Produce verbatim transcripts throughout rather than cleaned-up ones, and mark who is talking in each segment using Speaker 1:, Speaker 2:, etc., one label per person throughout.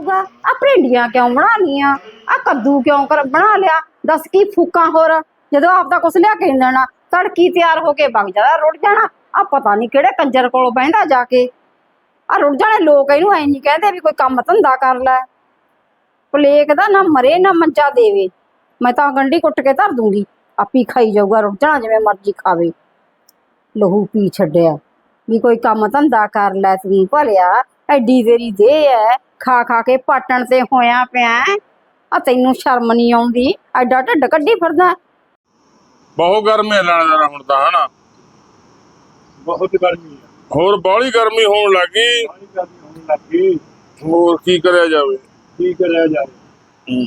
Speaker 1: जाऊगा आ भिंडियां क्यों बना लिया आ कद्दू क्यों कर बना लिया दस की फूका होर जो आपका कुछ लिया के नहीं देना तड़की तैयार होके बग जाता रुड़ जाना आ पता नहीं किहड़े कंजर कोल बहिंदा जाके आ रुड़ जाने लोग इनू ऐ नहीं कहते भी कोई काम धंधा कर लै पलेक दा ना मरे ना मंजा देवे मैं तो गंढी कुट के धर दूंगी आपी खाई जाऊगा रुड़ जाना जिवें मर्जी खावे लहू पी छड्डिया भी कोई काम धंधा कर लै तू भलिया एडी तेरी देह है खा खा के पाटण ते होया पिया आ तैनू शर्म नहीं आउंदी एडा ढिड कड्डी फिरदा
Speaker 2: बहुत गर्मी है लाने हुण तां हना
Speaker 3: बहुत गर्मी है
Speaker 2: होर बाहली गर्मी होण लगी
Speaker 3: बड़ी गर्मी होने लगी
Speaker 2: होर की करिया जावे
Speaker 3: की करा जाए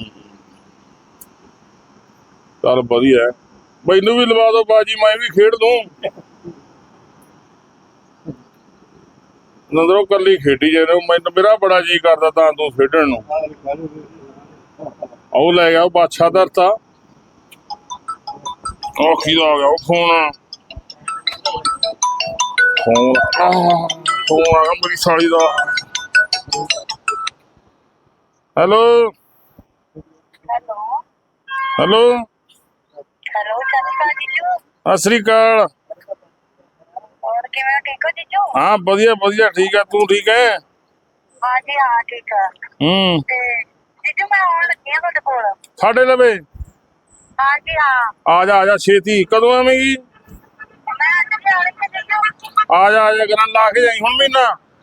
Speaker 2: चल वधिया है मैनू भी लवा दो बाजी मैं भी खेड दूं नंदरों कली खेडी जाए मैनू मेरा बड़ा जी करदा तां तू खेडण नूं ਉਹ ਲੈ ਗਿਆ ਉਹ ਬਾਦਸ਼ਾਹ ਧਰਤਾ ਉਹ ਕਿਹਦਾ ਆ ਗਿਆ ਉਹ ਫੋਨ ਫੋਨ ਫੋਨ ਆ ਗਿਆ ਮੇਰੀ ਸਾਲੀ ਦਾ hello
Speaker 4: hello
Speaker 2: hello
Speaker 4: hello Chanda जीजू
Speaker 2: ਸਤਿ ਸ੍ਰੀ ਅਕਾਲ
Speaker 4: और किवें ठीक हो जीजू
Speaker 2: ਹਾਂ ਵਧੀਆ ਵਧੀਆ ਠੀਕ ਆ ਤੂੰ ਠੀਕ ਹੈ
Speaker 4: हाँ जी हाँ ठीक है
Speaker 2: ਹੂੰ
Speaker 4: ते जीजू मैं आउण लगी हां तुहाडे कोल
Speaker 2: ਸਾਡੇ ਲਵੇ
Speaker 4: हाँ जी हाँ
Speaker 2: ਆ ਜਾ ਆ ਜਾ ਛੇਤੀ ਕਦੋਂ ਆਵੇਂਗੀ
Speaker 4: मैं अज जाने थे जीजू
Speaker 2: ਆ ਜਾ ਆ ਜਾ ਗਰਾਂ ਲਾ ਕੇ ਜਾਈ ਹੁਣ ਮਹੀਨਾ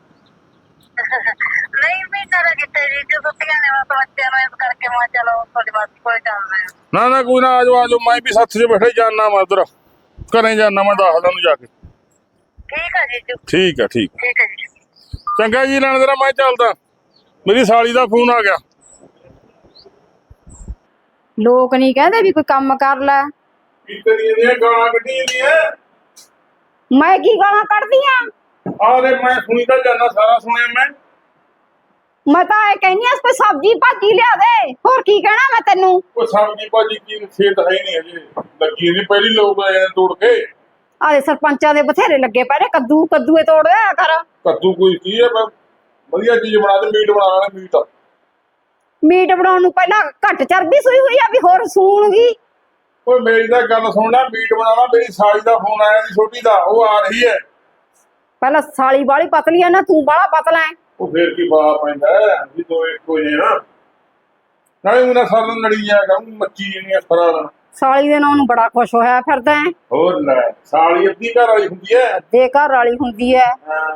Speaker 4: नहीं महीना दा किते जीजू छुट्टियां ने बस बच्चों ਨੂੰ ਇਸ ਕਰਕੇ ਮੈਂ ਚਲੋ ਤੁਹਾਡੇ ਵਾਸਤੇ ਕੋਈ ਚੱਲਦੇ ਆ
Speaker 2: ਨਾ ਨਾ ਕੋਈ ਨਾ ਆ ਜਾਓ ਆ ਜਾਓ ਮੈਂ ਵੀ ਸੱਥ 'ਚ ਬੈਠੇ ਜਾਣਾ ਮੈਂ ਉਧਰ ਘਰੇ ਜਾਣਾ ਮੈਂ ਦੱਸਦਾ ਉਹਨੂੰ ਜਾ ਕੇ
Speaker 4: ठीक है जीजू
Speaker 2: ਠੀਕ ਆ ਠੀਕ
Speaker 4: ठीक है जीजू
Speaker 2: ਚੰਗਾ ਜੀ ਲੈਣ ਤੇਰਾ ਮੈਂ ਚੱਲਦਾ ਮੇਰੀ ਸਾਲੀ ਦਾ ਫੋਨ ਆ ਗਿਆ
Speaker 1: लोग नहीं कहते भी कोई काम कर लै
Speaker 2: ਕੀ ਕਰੀ ਜਾਂਦੀਆਂ ਗਾਲਾਂ ਕੱਢੀ ਜਾਂਦੀਆਂ
Speaker 1: मैं की गालां कढ़दी आ
Speaker 2: ਆਰੇ ਮੈਂ ਸੁਣੀ ਤਾਂ ਜਾਣਾ ਸਾਰਾ ਸੁਣਿਆ ਮੈਂ
Speaker 1: मैं तो ये कहनी इस पे सब्जी भाजी लिया दे होर की कहना मैं तेनू
Speaker 2: ਉਹ ਸਬਜ਼ੀ ਭਾਜੀ ਕੀ ਖੇਤ ਹੈ ਨਹੀਂ ਹਜੇ ਲੱਗੀ ਨਹੀਂ ਪਹਿਲੀ ਲੋਕ ਆਏ ਨੇ ਤੋੜ ਕੇ
Speaker 1: आदे सरपंचा दे बथेरे लगे पे कद्दू कद्दूए तोड़ दे कर
Speaker 2: ਕੱਦੂ ਕੋਈ ਕੀ ਹੈ ਮੈਂ ਵਧੀਆ ਚੀਜ਼ ਬਣਾ ਦੇ ਮੀਟ ਬਣਾ ਲੈਣਾ ਮੀਟ
Speaker 1: मीट बनाउण नूं पहला घट चर्बी सुई हुई आ भी होर सूणगी
Speaker 2: ਓਏ ਮੇਰੀ ਤਾਂ ਗੱਲ ਸੁਣਨਾ ਮੀਟ ਬਣਾਵਾ ਮੇਰੀ ਸਾਲੀ ਦਾ ਫੋਨ ਆਇਆ ਸੀ ਛੋਟੀ ਦਾ ਉਹ ਆ ਰਹੀ ਹੈ
Speaker 1: पहला साली वाली पतली है ना तू बड़ा पतला है
Speaker 2: ਉਹ ਫੇਰ ਕੀ ਪਾ ਪੈਂਦਾ ਜੀ ਦੋ ਇੱਕ ਹੋ ਜੇ ਨਾ ਨਾਲੇ ਉਹਨਾਂ ਸਾਰਾ ਦਿਨ ਲੜੀ ਜਾਇਆ ਕਰ ਮੱਚੀ ਜਿਹੜੀਆਂ ਸਾਰਾ ਦਿਨ
Speaker 1: साली दे नाम नूं बड़ा खुश होया फिरदा है
Speaker 2: ਹੋਰ ਲੈ ਸਾਲੀ ਅੱਧੀ ਘਰ ਵਾਲੀ ਹੁੰਦੀ ਹੈ
Speaker 1: दे घर वाली हुंदी है
Speaker 2: ਹਾਂ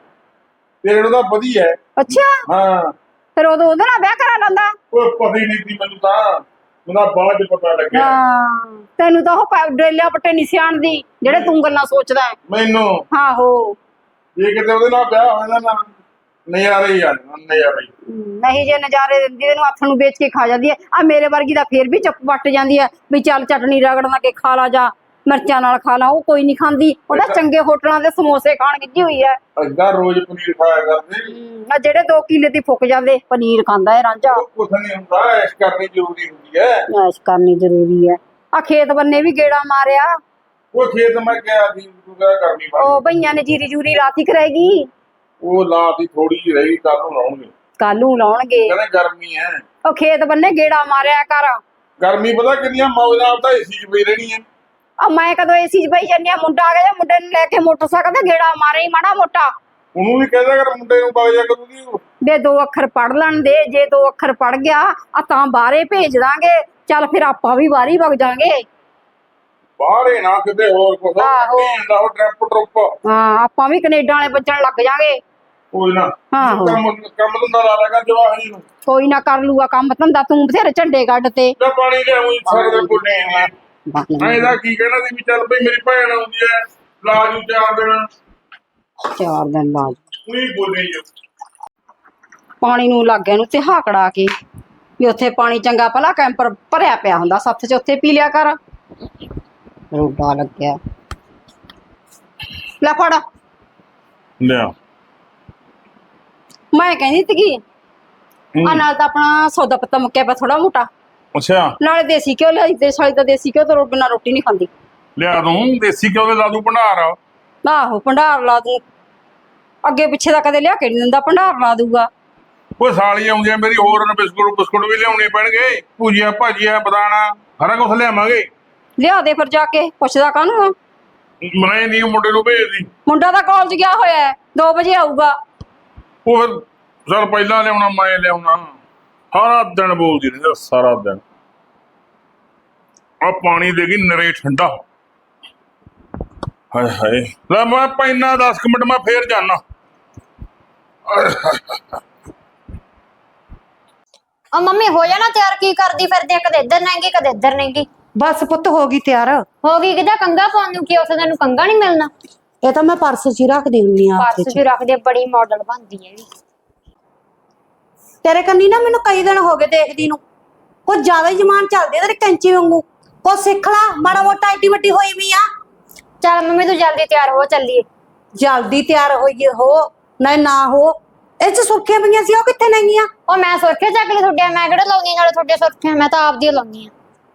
Speaker 2: ਤੇਰੇ ਨੂੰ ਤਾਂ ਵਧੀਆ ਹੈ
Speaker 1: अच्छा
Speaker 2: ਹਾਂ
Speaker 1: फिर उदों ओदे नाल ब्याह करा लंदा
Speaker 2: ਕੋਈ ਪਤਾ ਹੀ ਨਹੀਂ ਸੀ ਮੈਨੂੰ ਤਾਂ ਮੈਨੂੰ ਬਾਅਦ ਚ ਪਤਾ ਲੱਗਿਆ
Speaker 1: हां तैनू तां ओह डेलिया पट्टे नहीं सियाणदी जेड़े तू गल्लां सोचदा है
Speaker 2: ਮੈਨੂੰ
Speaker 1: आहो
Speaker 2: ਇਹ ਕਿਤੇ ਉਹਦੇ ਨਾਲ ਵਿਆਹ ਹੋ ਜਾਂਦਾ ਨਾ ਨਜ਼ਾਰੇ ਹੀ ਆ ਜਾਣ, ਨਜ਼ਾਰੇ ਹੀ।
Speaker 1: नहीं जे नजारे दिंदी तेनू हत्थ नूं बेच के खा जांदी है आ मेरे वर्गी दा फिर भी चुप वट जांदी है भी चल चटनी रगड़ना के खा ला जा मिर्चां नाल खा ला ਉਹ ਕੋਈ ਨਹੀਂ ਖਾਂਦੀ ਉਹਦਾ ਚੰਗੇ ਹੋਟਲਾਂ ਦੇ ਸਮੋਸੇ ਖਾਣ ਗਿੱਜੀ ਹੋਈ ਹੈ
Speaker 2: ਅੱਗਾ ਰੋਜ਼ ਪਨੀਰ ਖਾਇਆ ਕਰਦੇ
Speaker 1: ਆ ਜਿਹੜੇ ਦੋ ਕਿੱਲੇ ਦੀ ਫੁੱਕ ਜਾਂਦੇ ਪਨੀਰ ਖਾਂਦਾ ਹੈ ਰਾਂਝਾ
Speaker 2: ਉਹ ਕੁਛ ਨਹੀਂ ਹੁੰਦਾ ਐਸ਼ ਕਰਨੀ ਜ਼ਰੂਰੀ ਹੁੰਦੀ ਹੈ
Speaker 1: ਐਸ਼ ਕਰਨੀ ਜ਼ਰੂਰੀ ਹੈ ਆ ਖੇਤ ਬੰਨੇ ਵੀ ਗੇੜਾ ਮਾਰਿਆ
Speaker 2: ਉਹ ਖੇਤ ਮੈਂ ਗਿਆ ਸੀ ਤੂੰ ਕਿਆ ਕਰਨੀ ਬਾਤ
Speaker 1: ਉਹ ਭਈਆਂ ਨੇ ਜੀਰੀ ਜੂਰੀ ਰਾਤੀ ਕਰੇਗੀ
Speaker 2: ਉਹ ਲਾਤੀ ਥੋੜੀ ਜਿਹੀ ਰਹੀ ਕੱਲ ਨੂੰ ਲਾਉਣਗੇ
Speaker 1: ਕੱਲ ਨੂੰ ਲਾਉਣਗੇ
Speaker 2: ਕਹਿੰਦੇ ਗਰਮੀ ਹੈ
Speaker 1: ਉਹ ਖੇਤ ਬੰਨੇ ਗੇੜਾ ਮਾਰਿਆ ਕਰ
Speaker 2: ਗਰਮੀ ਪਤਾ ਕਿੰਨੀਆਂ ਮੌਜ ਨਾਲ ਤਾਂ ਏਸੀ 'ਚ ਪਈ ਰਹਿਣੀ ਹੈ
Speaker 1: ਆ ਮੈਂ ਕਦੋਂ ਏਸੀ 'ਚ ਬਈ ਜੰਨਿਆ ਮੁੰਡਾ ਆ ਗਿਆ ਮੁੰਡੇ ਨੂੰ ਲੈ ਕੇ ਮੋਟਰਸਾਈਕਲ ਤੇ ਗੇੜਾ ਮਾਰੇ ਹੀ ਮਾੜਾ ਮੋਟਾ
Speaker 2: ਉਹਨੂੰ ਵੀ ਕਹਿੰਦਾ ਕਰ ਮੁੰਡੇ ਨੂੰ ਬਾਗ ਜਾ ਕਰੂਗੀ
Speaker 1: ਦੇ ਦੋ ਅੱਖਰ ਪੜ ਲੈਣ ਦੇ ਜੇ ਦੋ ਅੱਖਰ ਪੜ ਗਿਆ ਆ ਤਾਂ ਬਾਹਰੇ ਭੇਜ ਦਾਂਗੇ ਚੱਲ ਫਿਰ ਆਪਾਂ ਵੀ ਬਾਹਰ ਹੀ ਵਗ ਜਾਾਂਗੇ
Speaker 2: ਬਾਹਰੇ ਨਾ ਕਿਤੇ ਹੋਰ ਕੁਛ
Speaker 1: ਆਹੋ।
Speaker 2: ਦਾ ਉਹ ਟਰੈਪ ਟਰੁੱਪ
Speaker 1: ਹਾਂ ਆਪਾਂ ਵੀ ਕੈਨੇਡਾ ਵਾਲੇ ਬੱਚਣ ਲੱਗ ਜਾਾਂਗੇ
Speaker 2: ਕੋਈ ਨਾ
Speaker 1: ਆਹੋ।
Speaker 2: ਕੰਮ ਕੰਮ ਧੰਦਾ ਲਾ ਲੇਗਾ ਜਵਾਹ ਜੀ ਨੂੰ
Speaker 1: ਕੋਈ ਨਾ ਕਰ ਲੂਗਾ ਕੰਮ ਧੰਦਾ ਤੂੰ ਬਥੇਰੇ ਝੰਡੇ ਕੱਢ ਤੇ
Speaker 2: ਤੇ ਪਾਣੀ ਲਿਆਉਂ ਸਾਰੇ ਦੇ ਪੁੱਲੇ ਨੇ ਮੈਂ ਇਹਦਾ ਕੀ ਕਹਿਣਾ ਸੀ ਵੀ ਚੱਲ ਬਈ ਮੇਰੀ ਭੈਣ ਆਉਂਦੀ ਹੈ ਲਾਜੂ ਚਾਰ ਦਿਨ
Speaker 1: ਚਾਰ ਦਿਨ ਬਾਅਦ
Speaker 2: ਉਹੀ ਬੋਲੀ ਜੋ
Speaker 1: ਪਾਣੀ ਨੂੰ ਲੱਗ ਗਿਆ ਨੂੰ ਤੇ ਹਾਕੜਾ ਕੇ ਵੀ ਉੱਥੇ ਪਾਣੀ ਚੰਗਾ ਭਲਾ ਕੈਂਪਰ ਭਰਿਆ ਪਿਆ ਹੁੰਦਾ ਸੱਥ 'ਚ ਉੱਥੇ ਪੀ ਲਿਆ ਕਰ ਰੋਡਾ ਲੱਗਿਆ ਲੈ ਫੜ
Speaker 2: ਲਿਆ
Speaker 1: ਮੈਂ ਕਹਿੰਦੀ ਸੀਗੀ ਆ ਨਾਲ ਤਾਂ ਆਪਣਾ ਸੌਦਾ ਪੱਤਾ ਮੁੱਕਿਆ ਪਿਆ ਥੋੜਾ ਮੋਟਾ
Speaker 2: ਅੱਛਾ
Speaker 1: ਨਾਲੇ ਦੇਸੀ ਘਿਓ ਲਿਆਈ ਤੇ ਸਾਲੀ ਤਾਂ ਦੇਸੀ ਘਿਓ ਤੋਂ ਬਿਨਾਂ ਰੋਟੀ ਨਹੀਂ ਖਾਂਦੀ
Speaker 2: ਲਿਆ ਦੂੰ ਦੇਸੀ ਘਿਓ ਦੇ ਲਾ ਦੂੰ ਭੰਡਾਰ
Speaker 1: ਆਹੋ ਭੰਡਾਰ ਲਾ ਦੂੰ ਅੱਗੇ ਪਿੱਛੇ ਦਾ ਕਦੇ ਲਿਆ ਕੇ ਨਹੀਂ ਦਿੰਦਾ ਭੰਡਾਰ ਲਾ ਦੂਗਾ
Speaker 2: ਉਹ ਸਾਲੀ ਆਉਂਦੀ ਆ ਮੇਰੀ, ਹੋਰ ਬਿਸਕੁਟ ਬਿਸਕੁਟ ਵੀ ਲਿਆਉਣੇ ਪੈਣਗੇ, ਭੁਜੀਆ ਭਾਜੀਆ ਬਦਾਨਾ ਸਾਰਾ ਕੁਝ ਲਿਆਵਾਂਗੇ।
Speaker 1: ਲਿਆ ਦੇ ਫਿਰ ਜਾ ਕੇ, ਪੁੱਛਦਾ ਕਾਹਨੂੰ ਆ?
Speaker 2: ਮੈਂ ਨਹੀਂ ਮੁੰਡੇ ਨੂੰ ਭੇਜਦੀ,
Speaker 1: ਮੁੰਡਾ ਤਾਂ ਕਾਲਜ ਗਿਆ ਹੋਇਆ ਹੈ, ਦੋ ਵਜੇ ਆਊਗਾ।
Speaker 2: ਉਹ ਫਿਰ ਸਰ ਪਹਿਲਾਂ ਲਿਆਉਣਾ ਮੈਂ ਲਿਆਉਣਾ, ਸਾਰਾ ਦਿਨ ਬੋਲਦੀ ਰਹਿੰਦੀ ਸਾਰਾ ਦਿਨ। ਆ ਪਾਣੀ ਦੇ ਗਈ ਨਰੇ ਠੰਡਾ, ਹਾਏ ਹਾਏ। ਲੈ ਮੈਂ ਪੈਨਾ ਦਸ ਕੁ ਮਿੰਟ ਮੈਂ ਫੇਰ ਜਾਣਾ।
Speaker 5: ਆ ਮੰਮੀ ਹੋ ਜਾਣਾ ਤਿਆਰ, ਕੀ ਕਰਦੀ ਫਿਰਦੀ ਆ? ਕਦੇ ਇੱਧਰ ਨਹੀਂਗੀ ਕਦੇ ਇੱਧਰ ਨਹੀਂਗੀ।
Speaker 6: ਬਸ ਪੁੱਤ ਹੋ ਗਈ ਤਿਆਰ।
Speaker 5: ਹੋ ਗਈ ਕਿਦਾ ਕੰਗਾ ਪਾਉਣ ਨੂੰ, ਕੀ ਉੱਥੇ ਤੈਨੂੰ ਕੰਗਾ ਨਹੀਂ ਮਿਲਣਾ?
Speaker 6: ਇਹ ਤਾਂ ਮੈਂ ਪਰਸ 'ਚ ਹੀ ਰੱਖਦੀ ਹੁੰਦੀ ਆ
Speaker 5: ਪਰਸ ਵੀ ਰੱਖਦੇ, ਬੜੀ ਮਾਡਲ ਬਣਦੀ ਹੈ ਵੀ।
Speaker 6: ਤੇਰੇ ਕੰਨੀ ਨਾ ਮੈਨੂੰ ਕਈ ਦਿਨ ਹੋ ਗਏ ਦੇਖਦੀ ਨੂੰ, ਕੁਝ ਜ਼ਿਆਦਾ ਹੀ ਜ਼ਮਾਨ ਚੱਲਦੀ ਤੇਰੇ ਕੈਂਚੀ ਵਾਂਗੂ। ਕੁਝ ਸਿੱਖ ਲਾ, ਮਾੜਾ ਮੋਟਾ ਐਡੀ ਵੱਡੀ ਹੋਈ ਵੀ ਆ।
Speaker 5: ਚੱਲ ਮੰਮੀ ਤੂੰ ਜਲਦੀ ਤਿਆਰ ਹੋ, ਚੱਲੀਏ।
Speaker 6: ਜਲਦੀ ਤਿਆਰ ਹੋਈਏ ਹੋ ਨਾ ਨਾ ਹੋ, ਇਹ 'ਚ ਸੁਰਖੀਆਂ ਪਈਆਂ ਸੀ ਉਹ ਕਿੱਥੇ ਨੇਗੀਆਂ?
Speaker 5: ਉਹ ਮੈਂ ਸੁਰਖੀਆਂ ਚੱਕ ਲਈ ਤੁਹਾਡੇ, ਮੈਂ ਕਿਹੜਾ ਲਾਉਣੀ ਨਾਲੇ ਤੁਹਾਡੇ ਸੁਰਖੀਆਂ, ਮੈਂ ਤਾਂ ਆਪਦੀ ਲਾਉਣੀ ਆ।